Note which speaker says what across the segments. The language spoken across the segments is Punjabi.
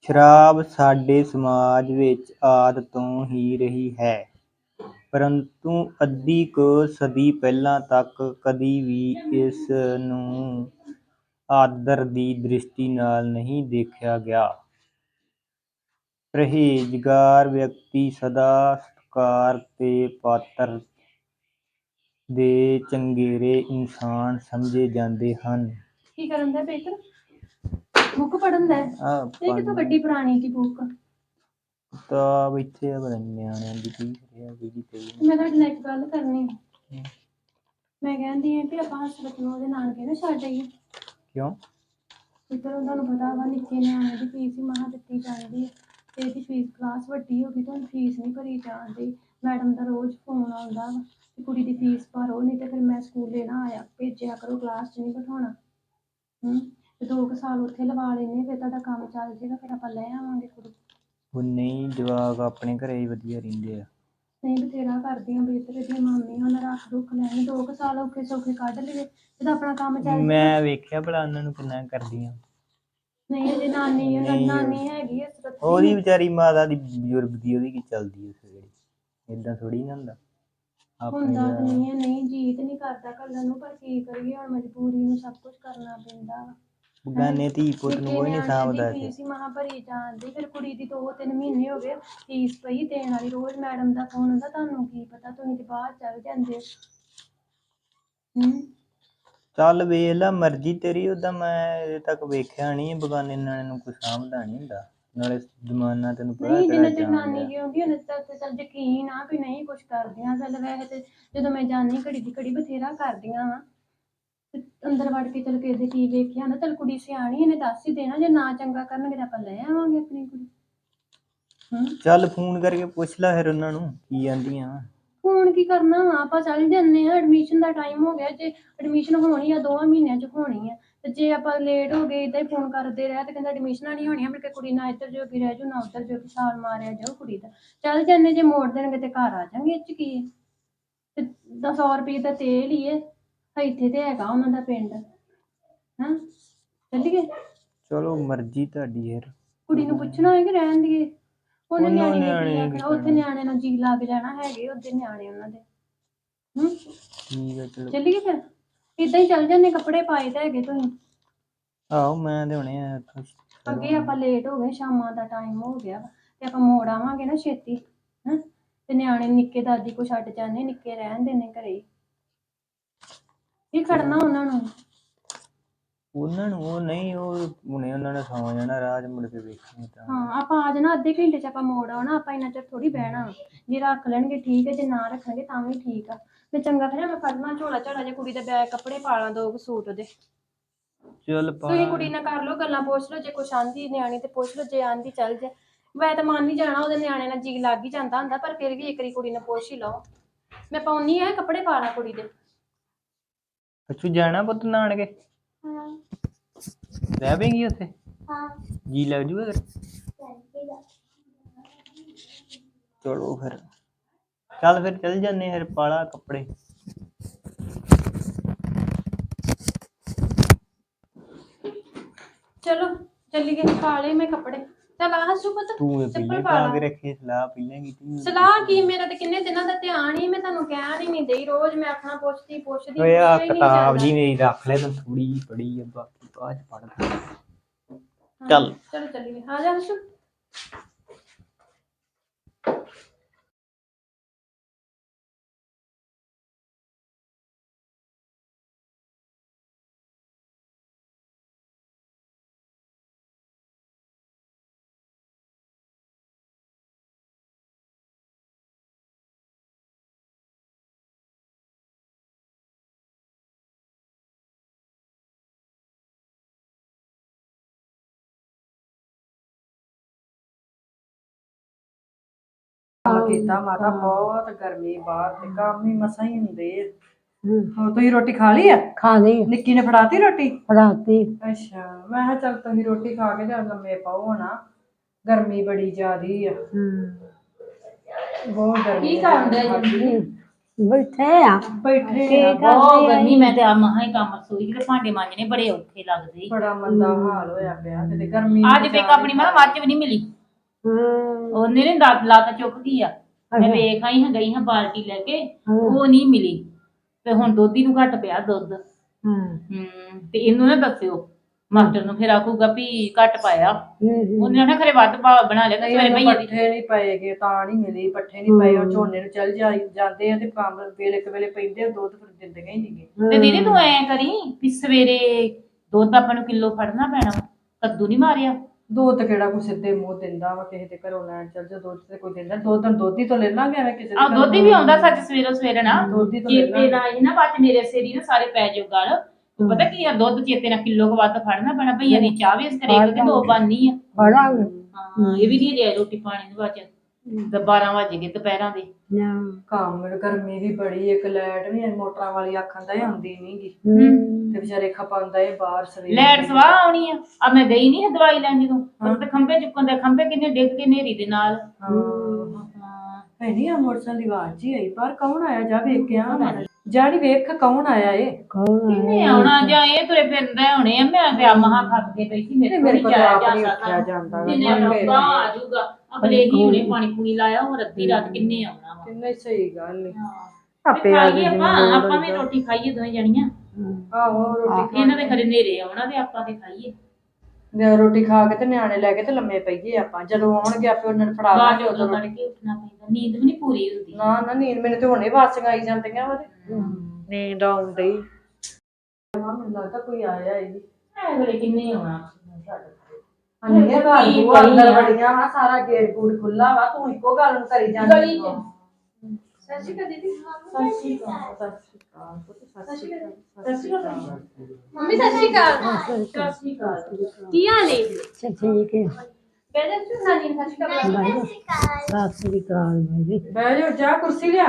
Speaker 1: ਸ਼ਰਾਬ ਸਾਡੇ ਸਮਾਜ ਵਿੱਚ ਆਦਿ ਤੋਂ ਹੀ ਰਹੀ ਹੈ, ਪਰੰਤੂ ਅੱਧੀ ਕੁ ਸਦੀ ਪਹਿਲਾਂ ਤੱਕ ਕਦੀ ਵੀ ਇਸ ਨੂੰ ਆਦਰ ਦੀ ਦ੍ਰਿਸ਼ਟੀ ਨਾਲ ਨਹੀਂ ਦੇਖਿਆ ਗਿਆ। ਪਰਹੇਜ਼ਗਾਰ ਵਿਅਕਤੀ ਸਦਾ ਸਤਿਕਾਰ ਦੇ ਪਾਤਰ ਤੇ ਚੰਗੇਰੇ ਇਨਸਾਨ ਸਮਝੇ ਜਾਂਦੇ ਹਨ।
Speaker 2: ਕੀ ਕਰਨ ਦਾ ਪੇਪਰ ਬੁੱਕ ਪੜਨ ਦਾ ਇਹ ਕਿਤੋਂ ਗੱਡੀ ਪੁਰਾਣੀ ਕੀ ਬੁੱਕ
Speaker 1: ਕਿਤਾਬ ਇੱਥੇ ਆ ਪਤਾ ਨੀ ਨਿਆਣਿਆਂ ਦੀ ਕੀ
Speaker 2: ਮੈਂ ਤੁਹਾਡੇ ਨਾਲ ਇੱਕ ਗੱਲ ਕਰਨੀ। ਮੈਂ ਕਹਿੰਦੀ ਹਾਂ ਵੀ ਆਪਾਂ ਹਸਪਤਾਲ ਨੂੰ ਉਹਦੇ ਨਾਨਕੇ ਨਾ ਛੱਡ ਆਈਏ।
Speaker 1: ਕਿਉਂ?
Speaker 2: ਇੱਧਰ ਤੁਹਾਨੂੰ ਪਤਾ ਵਾ ਨਿੱਕੇ ਨਿਆਣੇ ਦੀ ਫੀਸ ਹੀ ਮਹਾ ਦਿੱਤੀ ਜਾਂਦੀ ਹੈ ਤੇ ਇਹਦੀ ਫੀਸ ਕਲਾਸ ਵੱਡੀ ਹੋ ਗਈ ਤੁਹਾਨੂੰ ਫੀਸ ਨਹੀਂ ਭਰੀ ਜਾਂਦੀ। ਮੈਡਮ ਦਾ ਰੋਜ਼ ਫੋਨ ਆਉਂਦਾ ਵਾ ਕਿ ਕੁੜੀ ਦੀ ਫੀਸ ਭਰੋ ਨਹੀਂ ਤੇ ਫਿਰ ਮੈਂ ਸਕੂਲੇ ਨਾ ਆਇਆ ਭੇਜਿਆ ਕਰੋ ਕਲਾਸ 'ਚ ਨਹੀਂ ਬਿਠਾਉਣਾ। ਤੇ 2 ਸਾਲ ਉੱਥੇ ਲਵਾ ਲੈਂਦੇ ਫਿਰ ਤੁਹਾਡਾ ਕੰਮ ਚੱਲ ਜਾਏਗਾ ਫਿਰ ਆਪਾਂ ਲੈ ਆਵਾਂਗੇ ਕੁੜੀ।
Speaker 1: ਉਹ ਨਹੀਂ ਜਵਾਕ ਆਪਣੇ ਘਰੇ ਹੀ ਵਧੀਆ ਰਹਿੰਦੇ ਆ।
Speaker 2: ਨਹੀਂ ਬਥੇਰਾ ਕਰਦੀਆਂ ਬਿਹਤਰ ਦੀਆਂ ਮਾਮੀਆਂ ਉਹਨਾਂ ਰੱਖ ਦੁੱਖ ਲੈਣ 2 ਸਾਲ ਔਖੇ ਸੌਖੇ ਕੱਢ ਲਈਏ ਜਦੋਂ ਆਪਣਾ ਕੰਮ ਚੱਲ ਜਾਏਗਾ।
Speaker 1: ਮੈਂ ਵੇਖਿਆ ਭਲਾ ਉਹਨਾਂ ਨੂੰ ਕਿੰਨਾ ਕਰਦੀਆਂ।
Speaker 2: ਨਹੀਂ ਅਜੇ ਨਾਨੀ ਨਾਨੀ ਹੈਗੀ ਆ
Speaker 1: ਉਹਦੀ ਵਿਚਾਰੀ ਮਾਤਾ ਦੀ ਬਜ਼ੁਰਗ ਦੀ ਉਹਦੀ ਕੀ ਚੱਲਦੀ ਏਦਾਂ ਥੋੜੀ ਨਾ ਹੁੰਦਾ।
Speaker 2: ਹੁੰਦਾ ਤਾਂ ਨਹੀਂ ਹੈ ਨਹੀਂ ਜੀਅ ਤੇ ਨਹੀਂ ਕਰਦਾ ਘੱਲਣ ਨੂੰ ਪਰ ਕੀ ਕਰੀਏ ਹੁਣ ਮਜਬੂਰੀ ਨੂੰ ਸਭ ਕੁਝ ਕਰਨਾ ਪੈਂਦਾ ਵਾ।
Speaker 1: ਬਗਾਨੇ ਧੀ ਪੁੱਤ ਨੂੰ ਕੋਈ ਨਹੀਂ ਸਾਂਭਦਾ।
Speaker 2: ਫੀਸ ਹੀ ਮਹਾ ਭਰੀ ਜਾਂਦੀ ਫਿਰ ਕੁੜੀ ਦੀ 2-3 ਮਹੀਨੇ ਹੋ ਗਏ ਫੀਸ ਪਈ ਦੇਣ ਵਾਲੀ ਰੋਜ਼ ਮੈਡਮ ਦਾ ਫੋਨ ਹੁੰਦਾ ਤੁਹਾਨੂੰ ਕੀ ਪਤਾ ਤੁਸੀਂ ਤੇ ਬਾਹਰ ਚੱਲ ਜਾਂਦੇ।
Speaker 1: ਚੱਲ ਵੇਖ ਲਾ ਮਰਜ਼ੀ ਤੇਰੀ ਓਦਾਂ ਮੈਂ ਅਜੇ ਤੱਕ ਵੇਖਿਆ ਨਹੀਂ ਬਗਾਨੇ ਨਿਆਣੇ ਨੂੰ ਕੋਈ ਸਾਂਭਦਾ ਨਹੀਂ ਹੁੰਦਾ ਨਾਲੇ ਜ਼ਮਾਨਾ ਤੈਨੂੰ ਪਤਾ
Speaker 2: ਨਹੀਂ ਜਿੰਨਾ
Speaker 1: ਕਿਹੜਾ
Speaker 2: ਚਿਰ ਨਾਨੀ
Speaker 1: ਜਾਣ
Speaker 2: ਜਿਉਂਦੀ ਉਹਨਾਂ ਚਿਰ ਚੱਲ ਯਕੀਨ ਆ ਵੀ ਨਹੀਂ ਕੁਛ ਕਰਦੀਆਂ ਚੱਲ ਵੈਸੇ ਤੇ ਜਦੋਂ ਮੈਂ ਜਾਣੀ ਘੜੀ ਦੀ ਘੜੀ ਬਥੇਰਾ ਕਰਦੀਆਂ ਵਾ ਅੰਦਰ ਵੜ ਕੇ ਚੱਲ ਕਿਸੇ ਦੇ ਕੀ ਵੇਖਿਆ ਹੁੰਦਾ ਚੱਲ ਕੁੜੀ ਸਿਆਣੀ ਇਹਨੇ ਦੱਸ ਹੀ ਦੇਣਾ ਜੇ ਨਾ ਚੰਗਾ ਕਰਨਗੇ ਤਾਂ ਆਪਾਂ ਲੈ ਆਵਾਂਗੇ ਆਪਣੀ ਕੁੜੀ।
Speaker 1: ਚੱਲ ਫੋਨ ਕਰਕੇ ਪੁੱਛ ਲੈ ਫਿਰ ਉਹਨਾਂ ਨੂੰ ਕੀ ਕਹਿੰਦੀਆਂ।
Speaker 2: ਫੋਨ ਕੀ ਕਰਨਾ ਵਾ ਆਪਾਂ ਚੱਲ ਜਾਂਦੇ ਹਾਂ ਐਡਮਿਸ਼ਨ ਦਾ ਟਾਈਮ ਹੋ ਗਿਆ ਜੇ ਐਡਮਿਸ਼ਨ ਹੋਣੀ ਆ 2 ਮਹੀਨਿਆਂ 'ਚ ਹੋਣੀ ਆ ਤੇ ਜੇ ਆਪਾਂ ਲੇਟ ਹੋ ਗਏ ਏਦਾਂ ਹੀ ਫੋਨ ਕਰਦੇ ਰਹੇ ਤੇ ਕਹਿੰਦਾ ਐਡਮਿਸ਼ਨਾਂ ਨਹੀਂ ਹੋਣੀਆਂ ਮੁੜ ਕੇ ਕੁੜੀ ਨਾ ਇੱਧਰ ਜੋਗੀ ਰਹਿ ਜਾਊ ਨਾ ਉੱਧਰ ਜੋਗੀ ਛਾਲ ਮਾਰਿਆ ਜਾਊ ਕੁੜੀ ਦਾ। ਚੱਲ ਜਾਂਦੇ ਜੇ ਮੋੜ ਦੇਣਗੇ ਤੇ ਘਰ ਆ ਜਾਵਾਂਗੇ ਇਹ 'ਚ ਕੀ ਹੈ ਤੇ 100 ਰੁਪਏ ਦਾ ਤੇਲ ਹੀ ਹੈ ਇੱਥੇ ਤੇ ਹੈਗਾ ਉਹਨਾਂ ਦਾ ਪਿੰਡ ਚੱਲੀਏ।
Speaker 1: ਚਲੋ ਮਰਜ਼ੀ ਤੁਹਾਡੀ ਯਾਰ
Speaker 2: ਕੁੜੀ ਨੂੰ ਪੁੱਛਣਾ ਹੈ ਕਿ ਰਹਿਣ ਦੀਏ ਉਹਨੇ ਨਿਆਣੇ ਨੇ ਕੀ
Speaker 1: ਨਿਆਣੇ
Speaker 2: ਆਖਣਾ ਉੱਥੇ ਨਿਆਣੇ ਨਾਲ ਜੀ ਲੱਗ ਜਾਣਾ ਹੈਗੇ ਉਹਦੇ ਨਿਆਣੇ ਉਹਨਾਂ ਦੇ।
Speaker 1: ਠੀਕ ਹੈ ਚਲੋ
Speaker 2: ਚੱਲੀਏ ਫਿਰ ਏਦਾਂ ਹੀ ਚੱਲ ਜਾਂਦੇ ਕੱਪੜੇ ਪਾਏ ਤਾਂ ਹੈਗੇ ਤੁਸੀਂ।
Speaker 1: ਆਹੋ ਮੈਂ ਤੇ ਹੁਣੇ
Speaker 2: ਅੱਗੇ ਆਪਾਂ ਲੇਟ ਹੋ ਗਏ ਸ਼ਾਮਾਂ ਦਾ ਟਾਈਮ ਹੋ ਗਿਆ ਤੇ ਆਪਾਂ ਮੋੜ ਆਵਾਂਗੇ ਨਾ ਛੇਤੀ ਤੇ ਨਿਆਣੇ ਨਿੱਕੇ ਦਾਦੀ ਕੋ ਛੱਡ ਜਾਂਦੇ ਨਿੱਕੇ ਰਹਿਣ ਦੇਣੇ ਘਰੇ ਕੀ ਖੜਨਾ ਉਹਨਾਂ ਨੂੰ
Speaker 1: ਉਹ ਨਹੀਂ ਉਹ ਹੁਣੇ ਉਹਨਾਂ ਨੇ ਸੌਂ ਜਾਣਾ ਰਾਹ 'ਚ ਮੁੜ ਕੇ ਵੇਖਣੀ ਤਾਂ।
Speaker 2: ਹਾਂ ਆਪਾਂ ਆ ਜਾਣਾ ਅੱਧੇ ਘੰਟੇ 'ਚ ਆਪਾਂ ਮੋੜ ਆਉਣਾ ਆਪਾਂ ਇੰਨਾ ਚਿਰ ਥੋੜੀ ਬਹਿਣਾ ਜੇ ਰੱਖ ਲੈਣਗੇ ਠੀਕ ਹੈ ਜੇ ਨਾ ਰੱਖਣਗੇ ਤਾਂ ਵੀ ਠੀਕ ਆ। ਮੈਂ ਚੰਗਾ ਫਿਰ ਮੈਂ ਫੜਨਾ ਝੋਲਾ ਝਾਲਾ ਜੇ ਕੁੜੀ ਦਾ ਬੈਗ ਕੱਪੜੇ ਪਾ ਲਾਂ 2 ਸੂਟ ਉਹਦੇ।
Speaker 1: ਚੱਲ
Speaker 2: ਤੁਸੀਂ ਕੁੜੀ ਨਾਲ ਕਰ ਲਓ ਗੱਲਾਂ ਪੁੱਛ ਲਓ ਜੇ ਕੁਛ ਆਂਦੀ ਨਿਆਣੀ ਤੇ ਪੁੱਛ ਲਓ ਜੇ ਆਂਦੀ ਚੱਲ ਜੇ ਮੈਂ ਤਾਂ ਮੰਨ ਹੀ ਜਾਣਾ ਉਹਦੇ ਨਿਆਣੇ ਨਾਲ ਜੀ ਲੱਗ ਹੀ ਜਾਂਦਾ ਹੁੰਦਾ ਪਰ ਫਿਰ ਵੀ ਇੱਕ ਵਾਰੀ ਕੁੜੀ ਨੂੰ ਪੁੱਛ ਹੀ ਲਓ। ਮੈਂ ਪਾਉਣੀ ਆ ਕੱਪੜੇ ਪਾ ਲਾਂ ਕੁੜੀ ਦੇ।
Speaker 1: ਅੱਛੂ ਜਾਣਾ ਪੁੱਤ ਨਾਨਕੇ ਰਹਿ ਪਏਗੀ ਉੱਥੇ ਜੀ ਲੱਗ ਜੂਗਾ ਚਲੋ ਫਿਰ ਚੱਲ ਫਿਰ ਚੱਲ ਜਾਂਦੇ ਫਿਰ ਪਾਲਾ ਕੱਪੜੇ।
Speaker 2: ਚਲੋ ਚੱਲੀਏ ਪਾ ਲਏ ਮੈਂ ਕੱਪੜੇ ਚੱਲ ਆ ਹਸੂ ਪੁੱਤ
Speaker 1: ਤੂੰ
Speaker 2: ਚੱਪਲ
Speaker 1: ਪਹਿਲਾਂ
Speaker 2: ਪਾ
Speaker 1: ਪਾ
Speaker 2: ਲਾ।
Speaker 1: ਕੇ ਰੱਖੀ ਸਲਾਹ ਪਹਿਲਾਂ ਕੀਤੀ
Speaker 2: ਸਲਾਹ ਕੀ ਮੇਰਾ ਤੇ ਕਿੰਨੇ ਦਿਨਾਂ ਦਾ ਧਿਆਨ ਹੀ ਮੈਂ ਤੁਹਾਨੂੰ ਕਹਿਣ ਹੀ ਨਹੀਂ ਦਈ ਰੋਜ਼ ਮੈਂ ਆਖਣਾ ਪੁੱਛਦੀ
Speaker 1: ਓਏ ਆ
Speaker 2: ਪੁੱਛਿਆ ਹੀ ਨਹੀਂ
Speaker 1: ਕਿਤਾਬ
Speaker 2: ਜਾਂਦਾ।
Speaker 1: ਜੀ ਮੇਰੀ ਰੱਖ ਲੈ ਤੂੰ ਥੋੜੀ ਜਿਹੀ ਪੜੀ ਆ ਬਾਕੀ ਬਾਅਦ 'ਚ ਪੜ੍ਹ ਚੱਲ
Speaker 2: ਚਲੋ ਚੱਲੀਏ ਆ ਜਾ ਹਸੂ।
Speaker 3: ਕੀਤਾ ਮਾਤਾ ਬਹੁਤ ਗਰਮੀ ਬਾਹਰ ਤੇ ਕੰਮ ਹੀ ਮਸਾਂ ਹੀ ਹੁੰਦੇ ਹੁਣ ਤੁਸੀਂ ਰੋਟੀ ਖਾ ਲਈ ਆ?
Speaker 4: ਖਾ ਲਈ
Speaker 3: ਨਿੱਕੀ ਨੇ ਫੜਾਤੀ ਰੋਟੀ?
Speaker 4: ਫੜਾਤੀ।
Speaker 3: ਅੱਛਾ ਮੈਂ ਕਿਹਾ ਚੱਲ ਤੁਸੀਂ ਰੋਟੀ ਖਾ ਕੇ ਚੱਲ ਲੰਮੇ ਪਾਓ ਹਨਾ ਗਰਮੀ ਬੜੀ ਜ਼ਿਆਦੀ ਆ ਬਹੁਤ ਗਰਮੀ
Speaker 2: ਕੀ ਕਰਨ ਡਿਆ ਜੀ?
Speaker 3: ਬੈਠੇ
Speaker 4: ਕੀ
Speaker 3: ਆ
Speaker 4: ਬਹੁਤ ਗਰਮੀ ਮੈਂ ਤੇ ਆ ਮਹਾ ਹੀ ਕੰਮ ਰਸੋਈ ਦੇ ਭਾਂਡੇ ਮਾਂਜਣੇ ਬੜੇ ਔਖੇ ਲੱਗਦੇ ਈ।
Speaker 3: ਬੜਾ ਮੰਦਾ ਹਾਲ ਹੋਇਆ ਪਿਆ ਕਿਤੇ ਗਰਮੀ
Speaker 4: ਅੱਜ ਤੇ ਆਪਣੀ ਮੈਂ ਮੱਝ ਵੀ ਨਹੀਂ ਮਿਲੀ ਉਹਨੇ ਨੇ ਲੱਤ ਚੁੱਕ ਗਈ ਆ ਮੈਂ ਵੇਖ ਆਈ ਹਾਂ ਗਈ ਹਾਂ ਬਾਲਟੀ ਲੈ ਕੇ ਉਹ ਨਹੀਂ ਮਿਲੀ ਤੇ ਹੁਣ ਦੋਧੀ ਨੂੰ ਘੱਟ ਪਿਆ ਦੁੱਧ ਤੇ ਇਹਨੂੰ ਨਾ ਦੱਸਿਓ ਮਾਸਟਰ ਨੂੰ ਫਿਰ ਆਖੂਗਾ ਵੀ ਘੱਟ ਪਾਇਆ ਉਹਨੇ ਨਾ ਖਰੇ ਵੱਧ ਬਣਾ ਲਿਆ ਤੇ ਸਵੇਰੇ ਭਈਏ ਦੀ
Speaker 3: ਪੱਠੇ ਨਹੀਂ ਪਏਗੇ ਤਾਂ ਨਹੀਂ ਮਿਲੀ ਪੱਠੇ ਨਹੀਂ ਪਏ ਉਹ ਝੋਨੇ ਨੂੰ ਚੱਲ ਜਾਂਦੇ ਆ ਤੇ ਕੰਮ ਵੇਲੇ ਕਵੇਲੇ ਪੈਂਦੇ ਦੁੱਧ ਫਿਰ ਦਿੰਦੇ ਹੀ ਨਹੀਂਗੇ
Speaker 4: ਤੇ ਦੀਦੀ ਤੂੰ ਐ ਕਰੀ ਵੀ ਸਵੇਰੇ ਦੁੱਧ ਆਪਾਂ ਨੂੰ ਕਿਲੋ ਫੜਨਾ ਪੈਣਾ ਕੱਦੂ ਨਹੀਂ ਮਾਰਿਆ
Speaker 3: ਦੁੱਧ ਕਿਹੜਾ ਕੋਈ ਸਿੱਧੇ ਮੂੰਹ ਦਿੰਦਾ ਵਾ ਕਿਸੇ ਦੇ ਘਰੋਂ ਲੈਣ ਚੱਲ ਜਾ ਦੁੱਧ ਤੇ ਕੋਈ ਦਿੰਦਾ ਦੁੱਧ ਹੀ ਤੋਂ ਲੈ ਲਾਂਗੇ ਐਵੇਂ ਕਿਸੇ
Speaker 4: ਆ ਦੋਧੀ ਵੀ ਆਉਂਦਾ ਸੱਚ ਸਵੇਰੇ ਨਾ
Speaker 3: ਦੁੱਧ ਹੀ ਤੋਂ
Speaker 4: ਚੇਤੇ ਨਾਲ ਇਹ ਨਾ ਬਾਅਦ ਮੇਰੇ ਸੇਰੀ ਨਾ ਸਾਰੇ ਪੈ ਜਾਓ ਗੱਲ ਪਤਾ ਕੀ ਆ ਦੁੱਧ ਚੇਤੇ ਨਾਲ ਕਿਲੋ ਕੁ ਵੱਧ ਫੜਨਾ ਪੈਣਾ ਭਈਆ ਦੀ ਚਾਹ ਵੀ ਇਸ ਕਰੇਗਾ ਕਿ ਦੋ ਬਾਨੀ ਆ
Speaker 3: ਫੜਾਂਗੇ
Speaker 4: ਹਾਂ ਇਹ ਵੀ ਨਹੀਂ ਜੇ ਰੋਟੀ ਪਾਣੀ ਦੇ ਬਾਅਦ ਤੇ 12 ਵਜ ਗਏ ਦੁਪਹਿਰਾਂ ਦੇ
Speaker 3: ਕੰਮ ਗਰਮੀ ਵੀ ਬੜੀ ਇੱਕ ਲਾਈਟ ਵੀ ਮੋਟਰਾਂ ਵਾਲੀ ਆਖਣ ਦਾ ਆਉਂਦੀ ਨਹੀਂਗੀ ਤੇ ਵਿਚਾਰੇ ਖਪਾਉਂਦਾ ਇਹ ਬਾਹਰ ਸਵੇਰੇ
Speaker 4: ਲੈਟ ਸਵਾਹ ਆਉਣੀ ਆ ਮੈਂ ਗਈ ਨਹੀਂ ਦਵਾਈ ਲੈਣ ਜਦੋਂ ਤੇ ਖੰਭੇ ਚੁੱਕਣ ਦੇ ਖੰਭੇ ਕਿੰਨੇ ਡਿੱਗ ਕੇ ਨੇਰੀ ਦੇ ਨਾਲ
Speaker 3: ਹੈ ਨਹੀਂ ਆ ਮੋਟਰਸਾਈਕਲ ਦੀ ਆਵਾਜ਼ ਹੀ ਆਈ ਪਰ ਕੌਣ ਆਇਆ ਜਾ ਵੇਖ ਕੇ ਆ ਜਾੜੀ ਵੇਖ ਕੌਣ ਆਇਆ ਏ
Speaker 4: ਕਿੰਨੇ ਆਉਣਾ ਜਾਂ ਇਹ ਤੁਰੇ ਫਿਰਦੇ ਹੋਣੇ ਆ ਮੈਂ ਤੇ ਆ ਮਹਾ ਖੱਪ ਕੇ ਪਈ ਸੀ ਮੇਰੇ ਕੋਲ ਨਹੀਂ ਜਾਇਆ ਜਾਂਦਾ ਜਿੰਨੇ ਲੋਕਾਂ ਆ ਜਾਊਗਾ ਅਗਲੇ ਹੀ ਹੁਣੇ ਪਾਣੀ ਪੂਣੀ ਲਾਇਆ ਹੋਰ ਅੱਧੀ ਰਾਤ ਕਿੰਨੇ ਆਉਣਾ ਵਾ
Speaker 3: ਕਿੰਨੇ ਸਹੀ ਗੱਲ ਏ
Speaker 4: ਆਪੇ ਆ ਗਏ ਆਪਾਂ ਵੀ ਰੋਟੀ ਖਾਈਏ ਦੋਵੇਂ ਜਣੀਆਂ
Speaker 3: ਆਹੋ ਰੋਟੀ
Speaker 4: ਇਹਨਾਂ ਦੇ ਘਰੇ ਨੇਰੇ ਆਉਣਾ ਤੇ ਆਪਾਂ ਤੇ ਖਾਈਏ
Speaker 3: ਰੋਟੀ ਖਾ ਕੇ ਤੇ ਨਿਆਣੇ ਲੈ ਕੇ ਤੇ ਲੰਮੇ ਪਈਏ ਆਪਾਂ ਜਦੋਂ ਆਉਣਗੇ ਆਪੇ ਉਹਨਾਂ ਨੂੰ ਫੜਾ ਦਾਂਗੇ
Speaker 4: ਉਦੋਂ ਤੜਕੇ ਉੱਠਣਾ ਪੈਂਦਾ ਨੀਂਦ ਵੀ ਨਹੀਂ ਪੂਰੀ ਹੁੰਦੀ
Speaker 3: ਨਾ ਨੀਂਦ ਮੈਨੂੰ ਤੇ ਹੁਣੇ ਵਾਸੀਆਂ ਆਈ ਜਾਂਦੀਆਂ ਵਾ ਨੀਂਦ ਆਉਂਦੀ ਮੈਨੂੰ ਲੱਗਦਾ ਕੋਈ ਆਇਆ ਈ
Speaker 4: ਅਗਲੇ ਕਿੰਨੇ ਆਉਣਾ
Speaker 3: ਅੰਨੇ ਘਰ ਨੂੰ ਅੰਦਰ ਵੜੀਆਂ ਵਾ ਸਾਰਾ ਗੇਟ ਗੂਟ ਖੁੱਲਾ ਵਾ ਤੂੰ ਇੱਕੋ ਗੱਲ ਨੂੰ ਕਰੀ ਜਾਂਦੀ
Speaker 2: ਸਤਿ ਸ਼੍ਰੀ ਅਕਾਲ ਦੀਦੀ
Speaker 3: ਸਤਿ ਸ਼੍ਰੀ ਅਕਾਲ ਸਤਿ ਸ਼੍ਰੀ ਅਕਾਲ
Speaker 2: ਮੰਮੀ ਸਤਿ ਸ਼੍ਰੀ ਅਕਾਲ ਕੀ ਹਾਲ ਏ
Speaker 5: ਠੀਕ ਹੈ
Speaker 2: ਬੈਠੇ ਤੁਸੀਂ ਨਾਨੀ ਨੂੰ ਸਤਿ ਸ਼੍ਰੀ ਅਕਾਲ
Speaker 5: ਸਤਿ ਸ੍ਰੀ ਅਕਾਲ ਜੀ
Speaker 3: ਬਹਿ ਜਾ ਜਾ ਕੁਰਸੀ ਲਿਆ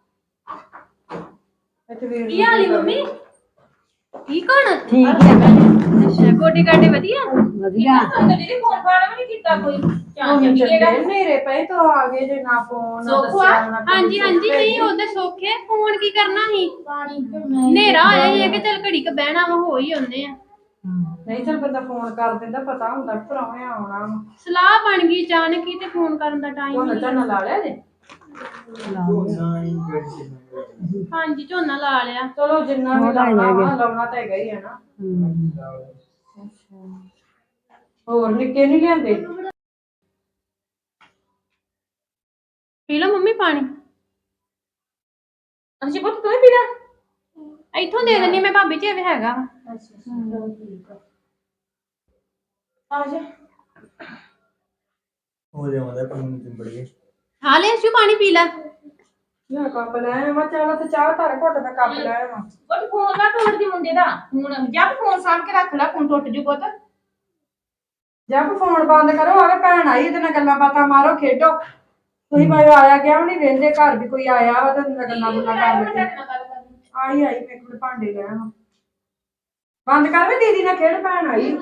Speaker 3: ਇੱਥੇ ਵੀਰ
Speaker 2: ਕੀ ਹਾਲ ਏ ਮੰਮੀ ਕੀ ਕੋਣ
Speaker 5: ਠੀਕ ਹੈ
Speaker 2: ਅੱਛਾ ਗੋਡੇ ਗਾਡੇ ਵਧੀਆ
Speaker 5: ਵਧੀਆ
Speaker 4: ਤੁਹਾਨੂੰ ਦੀਦੀ ਫੋਨ ਫਾਨ ਵੀ ਨਹੀਂ ਕੀਤਾ ਕੋਈ ਚਾਹ
Speaker 3: ਹੁਣ
Speaker 4: ਚੱਲੀਏਗਾ
Speaker 3: ਮੇਰੇ ਪਏ ਤਾਂ ਆ ਗਏ ਜੇ ਨਾ ਫੋਨ ਨਾ
Speaker 4: ਸੋਖਾ?
Speaker 3: ਦੱਸਿਆ ਨਾ
Speaker 2: ਹਾਂਜੀ ਹਾਂਜੀ ਨਹੀਂ ਉਹਦੇ ਸੌਖੇ ਫੋਨ ਕੀ ਕਰਨਾ ਸੀ ਹਨੇਰਾ ਹੋਇਆ ਸੀ ਕਿ ਚੱਲ ਘੜੀ ਕ ਬਹਿਣਾ ਵਾ ਹੋ ਹੀ ਆਉਂਦੇ ਆ
Speaker 3: ਨਹੀਂ ਚੱਲ ਬੰਦਾ ਫੋਨ ਕਰ ਦਿੰਦਾ ਪਤਾ ਹੁੰਦਾ ਭਰਾਵੇਂ ਆਉਣਾ ਵਾ
Speaker 2: ਸਲਾਹ ਬਣ ਗਈ ਅਚਾਨਕ ਹੀ ਤੇ ਫੋਨ ਕਰਨ ਦਾ ਟਾਈਮ
Speaker 3: ਝੋਨਾ ਝਾਨਾ ਲਾ ਲਿਆ ਜੇ
Speaker 2: ਹਾਂਜੀ ਝੋਨਾ ਲਾ ਲਿਆ
Speaker 3: ਚਲੋ ਜਿੰਨਾ ਵੀ ਲਾਉਣਾ ਵਾ ਲਾਉਣਾ ਤਾਂ ਹੈਗਾ ਹੀ ਹੈ ਨਾ ਹੋਰ ਨਿੱਕੇ ਨਹੀਂ ਲਿਆਂਦੇ
Speaker 2: ਪੀ ਲਓ ਮੰਮੀ ਪਾਣੀ
Speaker 4: ਅਸੀਂ ਪੁੱਤ ਤੂੰ ਹੀ ਪੀਣਾ
Speaker 2: ਇੱਥੋਂ ਦੇ ਦਿੰਨੀ ਮੈਂ ਭਾਬੀ ਜੀ ਇਹ ਹੈਗਾ ਵਾ
Speaker 4: ਆ ਜਾ
Speaker 1: ਹੋ ਜਾਵਾਂਦਾ ਪੀਣ ਚਿੰਬੜ ਗਏ
Speaker 2: ਖਾ ਲੈ ਸ਼ੂ ਪਾਣੀ ਪੀ ਲੈ
Speaker 3: ਮੈਂ ਕੱਪ ਲੈ ਆਵਾਂ ਚਾਹ ਤੇ ਚਾਹ ਧਰ ਘੁੱਟ ਦਾ ਕੱਪ ਲੈ ਆਵਾਂ
Speaker 4: ਉਹ ਫੋਨ ਨਾ ਤੋੜ ਦੀ ਮੁੰਡੇ ਦਾ ਹੁਣ ਜਾਂ ਫੋਨ ਸਾਂਭ ਕੇ ਰੱਖ ਲੈ ਫੋਨ ਟੁੱਟ ਜੂ ਪੁੱਤ
Speaker 3: ਜਦ ਫੋਨ ਬੰਦ ਕਰੋ ਆਵੇ ਭੈਣ ਆਈ ਇਹਦੇ ਨਾਲ ਗੱਲਾਂ ਬਾਤਾਂ ਮਾਰੋ ਖੇਡੋ ਤੁਸੀਂ ਭਾਵੇਂ ਆਇਆ ਗਿਆ ਵੀ ਨਹੀਂ ਵੇਂਦੇ ਘਰ ਵੀ ਕੋਈ ਆਇਆ ਵਾ ਤੇ ਗੱਲਾਂ ਗੁੱਲਾਂ ਕਰ ਲੈਂਦੇ ਆਈ ਮੇਰੇ ਕੋਲ ਭਾਂਡੇ ਲੈ ਆਵਾਂ ਬੰਦ ਕਰ ਵੇ ਦੀਦੀ ਨਾਲ ਖੇਡ ਭੈਣ ਆਈ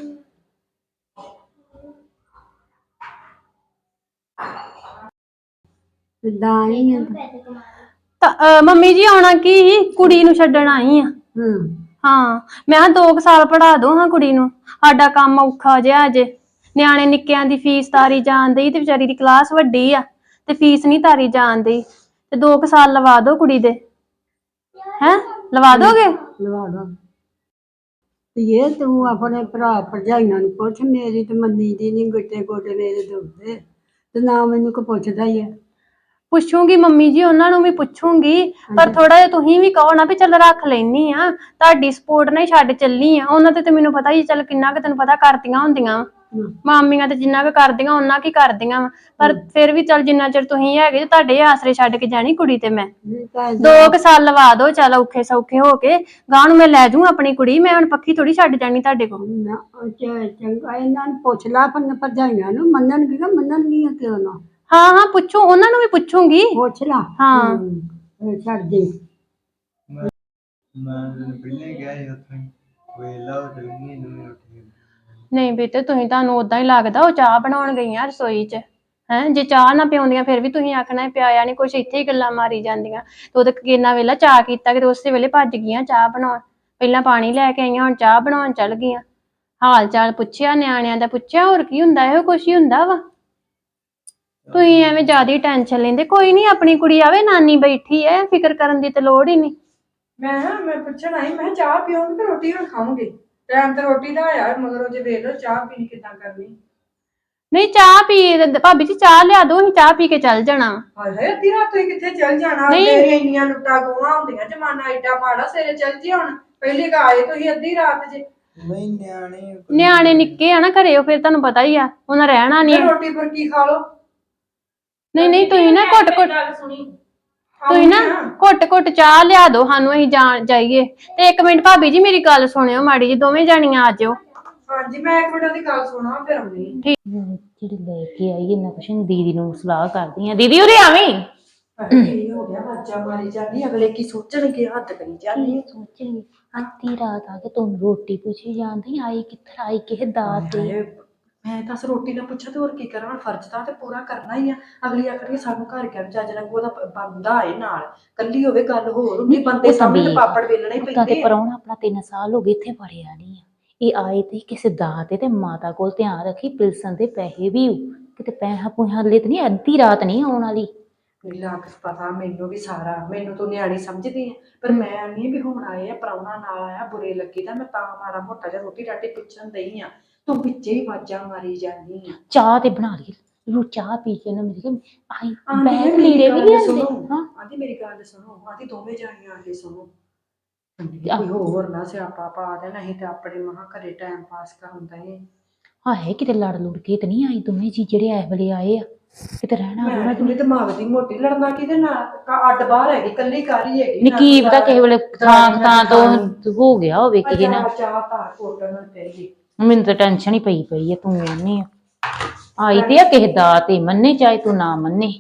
Speaker 5: ਦਾਈ
Speaker 2: ਮੰਮੀ ਜੀ ਆਉਣਾ ਕੀ ਕੁੜੀ ਨੂੰ ਛੱਡਣ ਆਈ ਆ ਹਾਂ ਮੈਂ 2 ਸਾਲ ਪੜਾ ਦੋ ਹਾਂ ਕੁੜੀ ਨੂੰ ਸਾਡਾ ਕੰਮ ਔਖਾ ਜਿਹਾ ਅਜੇ ਨਿਆਣੇ ਨਿੱਕਿਆਂ ਦੀ ਫੀਸ ਤਾਰੀ ਜਾਣ ਡਈ ਤੇ ਵਿਚਾਰੀ ਦੀ ਕਲਾਸ ਵੱਡੀ ਆ ਤੇ ਫੀਸ ਨਹੀਂ ਤਾਰੀ ਜਾਣ ਡਈ ਤੇ 2 ਸਾਲ ਲਵਾ ਦੋ ਕੁੜੀ ਦੇ ਹੈ ਲਵਾ ਦੋਗੇ
Speaker 5: ਲਵਾ ਦੋ ਇਹ ਤੂੰ ਆਪਣੇ ਭਰਾ ਭਰਜਾਈਆਂ ਨੂੰ ਪੁੱਛ ਮੇਰੀ ਤੇ ਮੰਨੀ ਦੀ ਨਹੀਂ ਗਿੱਟੇ ਗੋਡੇ ਮੇਰੇ ਦੁਖਦੇ ਤੇ ਨਾ ਮੈਨੂੰ ਕੋ ਪੁੱਛਦਾ ਹੀ ਹੈ
Speaker 2: ਪੁੱਛੂਗੀ ਮੰਮੀ ਜੀ ਉਹਨਾਂ ਨੂੰ ਵੀ ਪੁੱਛੂਗੀ ਪਰ ਥੋੜਾ ਜਿਹਾ ਤੁਸੀਂ ਵੀ ਕਹੋ ਨਾ ਵੀ ਚੱਲ ਰੱਖ ਲੈਣੀ ਆ ਤੁਹਾਡੀ ਸਪੋਰਟ ਨਾਲ ਹੀ ਛੱਡ ਚੱਲੀ ਆ ਉਹਨਾਂ ਤੇ ਮੈਨੂੰ ਪਤਾ ਹੀ ਚੱਲ ਕਿੰਨਾ ਕੁ ਤੈਨੂੰ ਪਤਾ ਕਰਦੀਆਂ ਹੁੰਦੀਆਂ ਮਾਮੀਆਂ ਤੇ ਜਿੰਨਾ ਕੁ ਕਰਦੀਆਂ ਉਹਨਾਂ ਕੀ ਕਰਦੀਆਂ ਵਾ ਪਰ ਫਿਰ ਵੀ ਚੱਲ ਜਿੰਨਾ ਚਿਰ ਤੁਸੀਂ ਹੈਗੇ ਤੇ ਤੁਹਾਡੇ ਆਸਰੇ ਛੱਡ ਕੇ ਜਾਣੀ ਕੁੜੀ ਤੇ ਮੈਂ 2 ਸਾਲ ਲਵਾ ਦੋ ਚੱਲ ਔਖੇ ਸੌਖੇ ਹੋ ਕੇ ਗਾਂ ਨੂੰ ਮੈਂ ਲੈ ਜਾਊਂ ਆਪਣੀ ਕੁੜੀ ਮੈਂ ਹੁਣ ਪੱਕੀ ਥੋੜੀ ਛੱਡ ਜਾਣੀ ਤੁਹਾਡੇ ਕੋਲ
Speaker 5: ਚੰਗਾ ਇਹਨਾਂ ਨੂੰ ਪੁੱਛ ਲਾ ਭਰਜਾਈਆਂ ਨੂੰ ਮੰਨਣਗੀਆਂ ਕਿਉਂ ਨਾ
Speaker 2: ਹਾਂ ਪੁੱਛੂ ਉਹਨਾਂ ਨੂੰ ਵੀ ਪੁੱਛੂਗੀ
Speaker 5: ਪੁੱਛ ਲਾ
Speaker 2: ਹਾਂ
Speaker 5: ਛੱਡ ਦੇ
Speaker 1: ਮੈਂ ਪਹਿਲੇ ਗਿਆ ਸੀ ਉੱਥੇ ਵੇਲਾ ਹੋ ਚਲਗੀ ਨੂੰ ਉੱਠੀ
Speaker 2: ਨਹੀਂ ਬੇਟੇ ਤੁਹਾਨੂੰ ਉਦਾਂ ਹੀ ਲੱਗਦਾ ਉਹ ਚਾਹ ਬਣਾਉਣ ਗਈਆਂ ਰਸੋਈ 'ਚ ਹੈ ਜੇ ਚਾਹ ਨਾ ਪਿਆਉਂਦੀਆਂ ਫਿਰ ਵੀ ਤੁਸੀਂ ਆਖਣਾ ਪਿਆਇਆ ਨਹੀਂ ਕੁਛ, ਇੱਥੇ ਹੀ ਗੱਲਾਂ ਮਾਰੀ ਜਾਂਦੀਆਂ। ਤੇ ਉਹਦੇ ਕਿੰਨਾ ਵੇਲਾ ਚਾਹ ਕੀਤਾ ਕਿ ਉਸੇ ਵੇਲੇ ਭੱਜ ਗਈਆਂ ਚਾਹ ਬਣਾਉਣ, ਪਹਿਲਾਂ ਪਾਣੀ ਲੈ ਕੇ ਆਈਆਂ ਹੁਣ ਚਾਹ ਬਣਾਉਣ ਚੱਲ ਗਈਆਂ। ਹਾਲ ਚਾਲ ਪੁੱਛਿਆ, ਨਿਆਣਿਆਂ ਦਾ ਪੁੱਛਿਆ, ਹੋਰ ਕੀ ਹੁੰਦਾ, ਇਹੋ ਕੁਛ ਹੀ ਹੁੰਦਾ ਵਾ। ਤੁਸੀਂ ਐਵੇਂ ਜ਼ਿਆਦਾ ਟੈਨਸ਼ਨ ਲੈਂਦੇ। ਕੋਈ ਨਹੀਂ, ਆਪਣੀ ਕੁੜੀ ਆਵੇ, ਨਾਨੀ ਬੈਠੀ ਐ, ਫਿਕਰ ਕਰਨ ਦੀ ਤੇ ਲੋੜ ਹੀ ਨਹੀਂ।
Speaker 3: ਮੈਂ ਪੁੱਛਣ ਆਈ, ਮੈਂ ਚਾਹ ਪੀਓਗੇ ਤੇ ਰੋਟੀ ਹੁਣ ਖਾਓਗੇ? ਟਾਈਮ ਤੇ ਰੋਟੀ ਦਾ ਆਇਆ ਮਗਰੋਂ ਜੇ ਵੇਖ ਲਓ ਚਾਹ ਪੀਣੀ ਕਿੱਦਾਂ ਕਰਨੀ।
Speaker 2: ਨਹੀਂ ਚਾਹ ਪੀ, ਭਾਬੀ ਜੀ ਚਾਹ ਲਿਆ ਦੋ, ਅਸੀਂ ਚਾਹ ਪੀ ਕੇ ਚੱਲ ਜਾਣਾ।
Speaker 3: ਹਾਏ ਹਾਏ, ਅੱਧੀ ਰਾਤ ਤੁਸੀਂ ਕਿੱਥੇ ਚੱਲ ਜਾਣਾ?
Speaker 2: ਨਹੀਂ।
Speaker 3: ਤੇਰੀਆਂ ਇੰਨੀਆਂ ਲੁੱਟਾਂ ਖੋਹਾਂ ਹੁੰਦੀਆਂ, ਜਮਾਨਾ ਏਡਾ ਮਾੜਾ, ਸਵੇਰੇ ਚੱਲ ਜੀ ਹੁਣ। ਪਹਿਲੀ ਗਾ ਆਏ ਤੁਸੀਂ ਅੱਧੀ ਰਾਤ ਜੇ।
Speaker 1: ਨਹੀਂ
Speaker 2: ਨਿਆਣੇ ਨਿੱਕੇ ਆ ਨਾ ਘਰੇ, ਉਹ ਫਿਰ ਤੁਹਾਨੂੰ ਪਤਾ ਹੀ ਆ, ਉਹਨਾਂ ਰਹਿਣਾ
Speaker 3: ਤੇ
Speaker 2: ਨਹੀਂ।
Speaker 3: ਰੋਟੀ ਬੁਰਕੀ ਖਾ ਲਓ।
Speaker 2: ਨਹੀਂ ਤੁਸੀਂ ਨਾ ਘੁੱਟ
Speaker 4: ਗੱਲ ਸੁਣੀ।
Speaker 2: ਤੁਸੀਂ ਨਾ ਘੁੱਟ ਚਾਹ ਲਿਆ ਦੋ ਸਾਨੂੰ, ਅਸੀਂ ਜਾਈਏ। ਤੇ ਇੱਕ ਮਿੰਟ ਭਾਬੀ ਜੀ ਮੇਰੀ ਗੱਲ ਸੁਣਿਓ ਮਾੜੀ ਜੀ, ਦੋਵੇਂ ਜਾਣੀਆਂ ਆ ਜਾਓ।
Speaker 3: ਹਾਂਜੀ, ਮੈਂ ਇੱਕ ਮਿੰਟ ਦੀ ਗੱਲ ਸੁਣਾ ਫਿਰ ਆਉਂਦੀ।
Speaker 4: ਜਿਹੜੀ ਲੈ ਕੇ ਆਈ ਇਹਨਾਂ ਕੁਛ ਦੀਦੀ ਨੂੰ ਸਲਾਹ ਕਰਦੀ ਆ, ਦੀਦੀ ਉਰੇ ਆਵੀਂ।
Speaker 3: ਕੀ ਹੋ ਗਿਆ? ਵਾਜਾ ਮਾਰੀ ਜਾਂਦੀ, ਅਗਲੇ ਕੀ ਸੋਚਣਗੇ? ਹੱਦ ਕਰੀ ਜਾਂਦੀ।
Speaker 4: ਸੋਚਣਗੇ ਅੱਧੀ ਰਾਤ ਆ ਕੇ ਤੁਹਾਨੂੰ ਰੋਟੀ ਪੁੱਛੀ ਜਾਂਦੀ, ਆਈ ਕਿੱਥੇ, ਆਈ ਕਿਸੇ ਦਾਤ ਤੇ।
Speaker 3: ਮੈਂ ਤਾਂ ਰੋਟੀ ਨਾ ਪੁੱਛਾਂ ਤੇ ਹੋਰ ਕੀ ਕਰਾਂ? ਫਰਜ਼ ਤਾਂ ਤੇ ਪੂਰਾ ਕਰਨਾ ਹੀ ਆ। ਅਗਲੀ ਆਖਣੀ ਸਾਨੂੰ ਘਰ ਕਿਉਂ ਚੱਜ ਨਾਲ, ਉਹਦਾ ਬੰਦਾ ਆਏ ਨਾਲ, ਕੱਲੀ ਹੋਵੇ ਗੱਲ ਹੋਰ ਹੁੰਦੀ, ਬੰਦੇ ਸਾਹਮਣੇ ਤੇ ਪਾਪੜ ਵੇਲਣੇ ਹੀ
Speaker 4: ਉਦਾਂ ਤੇ
Speaker 3: ਪੈਂਦੇ ਆ।
Speaker 4: ਪ੍ਰਾਹੁਣਾ ਆਪਣਾ 3 ਸਾਲ ਹੋ ਗਏ ਇੱਥੇ ਵੜਿਆ ਨਹੀਂ ਆ, ਇਹ ਆਏ ਤੇ ਕਿਸੇ ਦਾਤ ਤੇ ਮਾਤਾ ਕੋਲ ਧਿਆਨ ਰੱਖੀ, ਪਿਲਸਨ ਦੇ ਪੈਸੇ ਵੀ ਕਿਤੇ ਪੈਸਾ ਪੂਸਾ ਲੈ ਤੇ ਨਹੀਂ, ਅੱਧੀ ਰਾਤ ਨਹੀਂ ਆਉਣ ਵਾਲੀ।
Speaker 3: ਲੱਗ ਪਤਾ ਮੈਨੂੰ ਵੀ ਸਾਰਾ, ਮੈਨੂੰ ਤੂੰ ਨਿਆਣੀ ਸਮਝਦੀ ਆ, ਪਰ ਮੈਂ ਨਹੀਂ ਵੀ ਹੁਣ ਆਏ ਆ ਪ੍ਰਾਹੁਣਾ ਨਾਲ ਆਇਆ, ਬੁਰੇ ਲੱਗੀ ਤਾਂ ਮੈਂ ਤਾਂ ਮਾੜਾ ਮੋਟਾ ਜਿਹਾ ਰੋਟੀ ਰਾਟੀ ਪੁੱਛਣ ਦਈ ਆ, ਤੂੰ ਵਿੱਚੇ ਹੀ ਵਾਜਾਂ ਮਾਰੀ ਜਾਂਦੀ ਆ।
Speaker 4: ਚਾਹ ਤੇ ਬਣਾ ਲਈ, ਉਹ ਚਾਹ ਪੀ ਕੇ ਨਾ ਮੇਰੀ ਆਈ
Speaker 3: ਆਂਦੀ
Speaker 4: ਬੈਗ
Speaker 3: ਮੇਰੀ
Speaker 4: ਲੀੜੇ ਵੀ
Speaker 3: ਗੱਲ
Speaker 4: ਲਿਆਂਦੇ।
Speaker 3: ਸੁਣੋ,
Speaker 4: ਹਾਂ
Speaker 3: ਆਂਦੀ ਮੇਰੀ ਗੱਲ ਸੁਣੋ, ਆਂਦੀ ਦੋਵੇਂ ਜਾਣੀਆਂ ਆਂਦੀ ਸੁਣੋ, ਕੋਈ ਹੋਰ ਨਾ ਸਿਆਪਾ ਪਾ ਦੇਣਾ, ਅਸੀਂ ਤੇ ਆਪਣੇ ਮਹਾਂ ਘਰੇ ਟਾਈਮ ਪਾਸ ਕਰਨ ਦਏ।
Speaker 4: ਹਾਏ ਕਿਤੇ ਲੜ ਲੁੜ ਕੇ ਤੇ ਨਹੀਂ ਆਈ ਦੋਵੇਂ ਜੀ ਜਿਹੜੇ ਇਸ ਵੇਲੇ ਆਏ ਆ, ਕਿਤੇ ਰਹਿਣਾ
Speaker 3: ਮੈਂ
Speaker 4: ਰੂਣਾ
Speaker 3: ਪੂਰੇ ਦਿਮਾਗ ਦੀ ਮੋਟੀ, ਲੜਨਾ ਕਿਹਦੇ ਨਾਲ? ਅੱਡ ਬਾਹਰ ਹੈਗੀ, ਕੱਲੀ ਕਾਰੀ ਹੈਗੀ।
Speaker 4: ਕੀ ਪਤਾ ਕਿਸੇ ਵੇਲੇ ਥਾਂ ਤੋਂ ਹੋ ਗਿਆ ਹੋਵੇ ਕਿਸੇ ਨਾਲ।
Speaker 3: ਚਾਹ ਧਾਰ ਕੋਟਣ ਤੇਰੀ।
Speaker 4: ਮੈਨੂੰ ਤਾਂ ਟੈਨਸ਼ਨ ਹੀ ਪਈ ਆ, ਤੂੰ ਆਨੀ ਆ ਆਈ ਤੇ ਆ ਕਿਸੇ ਦਾ ਤੇ ਮੰਨੇ ਚਾਹੇ ਤੂੰ ਨਾ ਮੰਨੇ।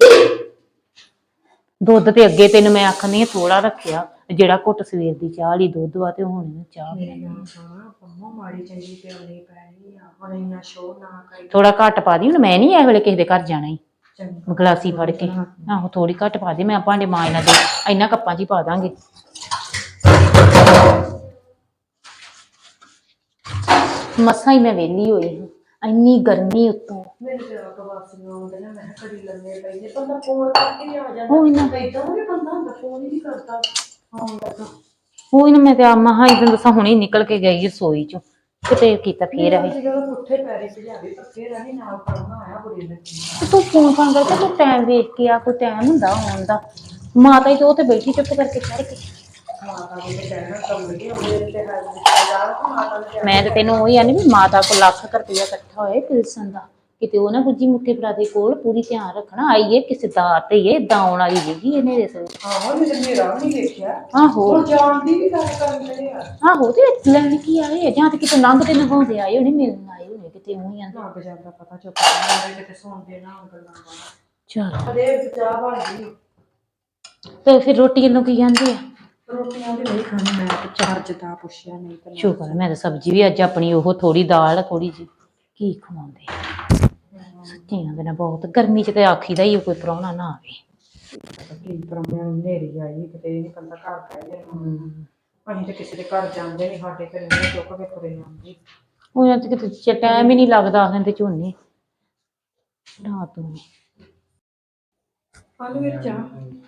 Speaker 4: ਦੁੱਧ ਤੇ ਅੱਗੇ ਤੈਨੂੰ ਮੈਂ ਆਖਣੀ ਥੋੜਾ ਰੱਖਿਆ, ਜਿਹੜਾ ਘੁੱਟ ਸਵੇਰ ਦੀ ਚਾਹ ਲਈ ਦੁੱਧ ਵਾ ਤੇ ਹੁਣ ਚਾਹ
Speaker 3: ਮਾੜੀ ਚੰਗੀ ਪਿਆਉਣੀ ਪੈਣੀ ਆ, ਹੁਣ ਇੰਨਾ ਸ਼ੋਅ ਨਾ ਕਰੀ।
Speaker 4: ਥੋੜਾ ਘੱਟ ਪਾ ਦੀ, ਹੁਣ ਮੈਂ ਨਹੀਂ ਇਸ ਵੇਲੇ ਕਿਸੇ ਦੇ ਘਰ ਜਾਣਾ ਹੀ
Speaker 3: ਚੰਗਾ
Speaker 4: ਗਲਾਸੀ ਫੜ ਕੇ। ਆਹੋ ਥੋੜੀ ਘੱਟ ਪਾ ਦੇ, ਮੈਂ ਭਾਂਡੇ ਮਾਂਜਣਾ ਦੇ ਇਹਨਾਂ ਕੱਪਾਂ 'ਚ ਹੀ ਪਾ ਦਾਂਗੇ। ਮਸਾਂ ਹੀ ਮੈਂ ਵਿਹਲੀ ਹੋਈ ਹਾਂ, ਇੰਨੀ ਗਰਮੀ ਉੱਤੋਂ।
Speaker 3: ਮੈਨੂੰ ਤੇ ਆਪ ਵਾਸੀਆਂ ਆਉਂਦੇ ਨੇ, ਮੈਂ ਕਿਹਾ ਘੜੀ ਲੰਮੇ ਪਈਏ, ਬੰਦਾ ਫੋਨ ਕਰਕੇ ਆ ਜਾਂਦਾ।
Speaker 4: ਉਹ ਇਹਨਾਂ
Speaker 3: ਏਦਾਂ ਵੀ ਬੰਦਾ ਹੁੰਦਾ ਫੋਨ ਹੀ ਨਹੀਂ ਕਰਦਾ ਆਉਣ ਲੱਗਾ।
Speaker 4: ਉਹ ਨਾ ਮੈਂ ਤੇ ਆ ਮਹਾ ਇਦਾਂ ਦੱਸਾਂ ਹੁਣੇ ਨਿਕਲ ਕੇ ਗਈ ਰਸੋਈ 'ਚੋਂ, ਕਿਤੇ ਕੀਤਾ ਫੇਰ ਆਏ।
Speaker 3: ਜਦੋਂ ਪੁੱਠੇ ਪੈਰੇ ਭਜਾਵੇ ਪਰ ਫੇਰ ਆਹੀ ਨਾਲ ਪੜਨਾ ਆਇਆ ਬੁਰੇ ਲੱਗੀ।
Speaker 4: ਤੂੰ ਫੋਨ ਕਰਕੇ ਤੂੰ ਟਾਈਮ ਵੇਖ ਕੇ ਆ, ਕੋਈ ਟਾਈਮ ਹੁੰਦਾ ਆਉਣ ਦਾ। ਮਾਤਾ ਹੀ ਤੇ ਉਹ ਤੇ ਬੈਠੀ ਚੁੱਪ ਕਰਕੇ ਚੜ ਕੇ।
Speaker 3: ਮਾਤਾ ਨੂੰ ਤੇ ਕਹਿਣਾ ਕੰਮ ਲੱਗੇ ਉਹਦੇ ਤੇ ਹੈ ਰਿਸ਼ਤੇਦਾਰ ਤੇ ਮਾਤਾ ਨੂੰ
Speaker 4: ਮੈਂ ਤੇ ਤੈਨੂੰ ਉਹੀ ਆਨੀ ਵੀ ਮਾਤਾ ਕੋਲ ਲੱਖ ਰੁਪਇਆ ਇਕੱਠਾ ਹੋਏ ਪਿਲਸਨ ਦਾ, ਕਿਤੇ ਉਹ ਨਾ ਗੁੱਜੀ ਮੁੱਠੇ ਭਰਾ ਕੋਲ ਪੂਰੀ ਧਿਆਨ ਰੱਖਣਾ, ਆਈਏ ਕਿਸੇ ਦਾ ਤੇ ਇਹ ਏਦਾਂ ਆਉਣ ਵਾਲੀ ਸੀਗੀ ਇਹਨੇ ਦੇ ਸਿਰ।
Speaker 3: ਆਹੋ ਮੈਂ ਮੇਰਾ ਵੀ ਨਹੀਂ ਦੇਖਿਆ।
Speaker 4: ਆਹੋ
Speaker 3: ਉਹ ਜਾਣ ਦੀ ਵੀ ਗੱਲ ਕਰਨ ਦੇ ਆ।
Speaker 4: ਆਹੋ ਤੇ ਲੈਣ ਕੀ ਆਏ, ਜਾਂ ਤੇ ਕਿਤੇ ਲੰਘਦੇ ਲੰਘਾਉਂਦੇ ਆਏ ਹੋਣੇ, ਮਿਲਣ ਆਏ ਹੋਣੇ ਕਿਤੇ ਉਹੀ ਆ।
Speaker 3: ਲੱਗ ਜਾਂਦਾ ਪਤਾ ਚੁੱਪ ਕਰਕੇ ਕਿਤੇ ਸੁਣਦੇ ਨਾ ਗੱਲਾਂ ਬਾਤਾਂ।
Speaker 4: ਚਲ
Speaker 3: ਅਰੇ ਚਾਹ ਬਣ ਗਈ
Speaker 4: ਤੇ ਫਿਰ ਰੋਟੀ ਨੂੰ ਕੀ ਕਹਿੰਦੇ ਆ?
Speaker 3: ਰੋਟੀਆਂ ਵੀ ਨਹੀਂ ਖਾਣੀ, ਮੈਂ ਤੇ ਚਾਰਜ ਦਾ ਪੁੱਛਿਆ ਨਹੀਂ ਤਾਂ
Speaker 4: ਸ਼ੁਕਰ ਹੈ, ਮੈਂ ਤਾਂ ਸਬਜ਼ੀ ਵੀ ਅੱਜ ਆਪਣੀ ਉਹ ਥੋੜੀ ਦਾਲ ਥੋੜੀ ਜਿਹੀ ਕੀ ਖਵਾਉਂਦੇ ਸੱਚੀਆਂ ਦੇ ਨਾਲ ਬਹੁਤ ਗਰਮੀ 'ਚ ਤੇ ਆਖੀਦਾ ਹੀ ਕੋਈ ਪ੍ਰਾਹੁਣਾ ਨਾ ਆਵੇ।
Speaker 3: ਕੀ ਪਰਮਿਆਂ ਨੂੰ ਨੇਰੀ ਆਈ ਕਿਤੇ ਇਹ ਬੰਦਾ ਘਰ ਪੈ ਜਾਏ। ਅਸੀਂ ਤੇ ਕਿਸੇ ਦੇ ਘਰ ਜਾਂਦੇ ਨਹੀਂ, ਸਾਡੇ ਘਰੇ ਨਹੀਂ ਚੁੱਕ ਕੇ ਤੁਰੇ ਆਉਂਦੇ।
Speaker 4: ਉਹਨਾਂ ਤੇ ਕਿਤੇ ਟਾਈਮ ਹੀ ਨਹੀਂ ਲੱਗਦਾ ਆਖਣ ਤੇ ਝੋਨੇ ਰਾਤ ਨੂੰ।
Speaker 3: ਕੱਲ ਵਿੱਚ ਆ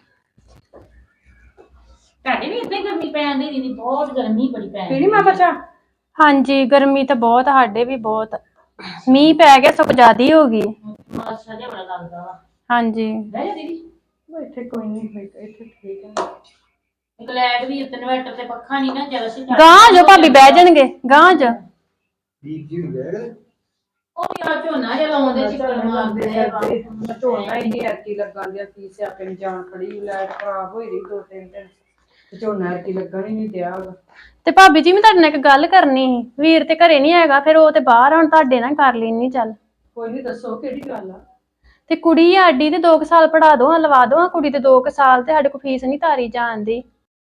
Speaker 4: ਤੁਹਾਡੇ ਵੀ ਇੱਥੇ ਗਰਮੀ ਪੈਣ ਦੀ ਦੀਦੀ, ਬਹੁਤ ਗਰਮੀ ਬੜੀ ਪੈਣ
Speaker 3: ਪੀਣੀ ਮਾਤਾ ਚਾਹ?
Speaker 2: ਹਾਂਜੀ ਗਰਮੀ ਤਾਂ ਬਹੁਤ, ਸਾਡੇ ਵੀ ਬਹੁਤ। ਮੀਂਹ ਪੈ ਗਿਆ ਸਗੋਂ ਜ਼ਿਆਦੀ ਹੋ ਗਈ।
Speaker 4: ਮਾਸਾ ਜਿਹਾ ਬੜਾ ਲੱਗਦਾ ਵਾ।
Speaker 2: ਹਾਂਜੀ
Speaker 4: ਬਹਿ ਜਾ ਦੀਦੀ।
Speaker 3: ਇੱਥੇ ਕੋਈ ਨਹੀਂ, ਇੱਥੇ ਠੀਕ ਹੈ।
Speaker 4: ਇੱਕ ਲਾਈਟ ਵੀ ਉੱਤੇ ਇਨਵਰਟਰ ਤੇ ਪੱਖਾ ਨਹੀਂ ਨਾ ਚੱਲ ਸੀ।
Speaker 2: ਗਾਂ ਜੋ ਭਾਬੀ ਬਹਿ ਜਾਣਗੇ ਗਾਂ ਜੋ।
Speaker 4: ਉਹ ਯਾਰ ਝੋਨਾ ਜਿਹਾ ਲਾਉਂਦੇ ਚਿੱਕੜ ਮਾਰਦੇ ਆ।
Speaker 3: ਝੋਨਾ ਹੀ ਨਹੀਂ ਐਰਕੀ ਲੱਗਣ ਦਿਆ, ਕੀ ਸਿਆਪੇ ਨੂੰ ਜਾਣ ਖੜੀ, ਲਾਈਟ ਖਰਾਬ ਹੋਈ ਰਹੀ 2-3 ਦਿਨ ਤੇ ਝੋਨਾ ਐਰਕੀ ਲੱਗਣ ਹੀ ਨਹੀਂ ਦਿਆ।
Speaker 2: ਤੇ ਭਾਬੀ ਜੀ ਮੈਂ ਤੁਹਾਡੇ ਨਾਲ ਇੱਕ ਗੱਲ ਕਰਨੀ ਸੀ, ਵੀਰ ਤੇ ਘਰੇ ਨਹੀਂ ਹੈਗਾ, ਫਿਰ ਉਹ ਤੇ ਬਾਹਰ ਆ, ਹੁਣ ਤੁਹਾਡੇ ਨਾਲ ਕਰ ਲੈਣੀ ਚੱਲ।
Speaker 3: ਕੋਈ ਨਹੀਂ, ਦੱਸੋ ਕਿਹੜੀ ਗੱਲ ਆ?
Speaker 2: ਤੇ ਕੁੜੀ ਆ ਸਾਡੀ ਤੇ 2 ਸਾਲ ਪੜਾ ਦੋ, ਲਵਾ ਦੋ ਕੁੜੀ ਤੇ 2 ਸਾਲ, ਤੇ ਸਾਡੇ ਕੋਲ ਫੀਸ ਨਹੀਂ ਤਾਰੀ ਜਾਂਦੀ।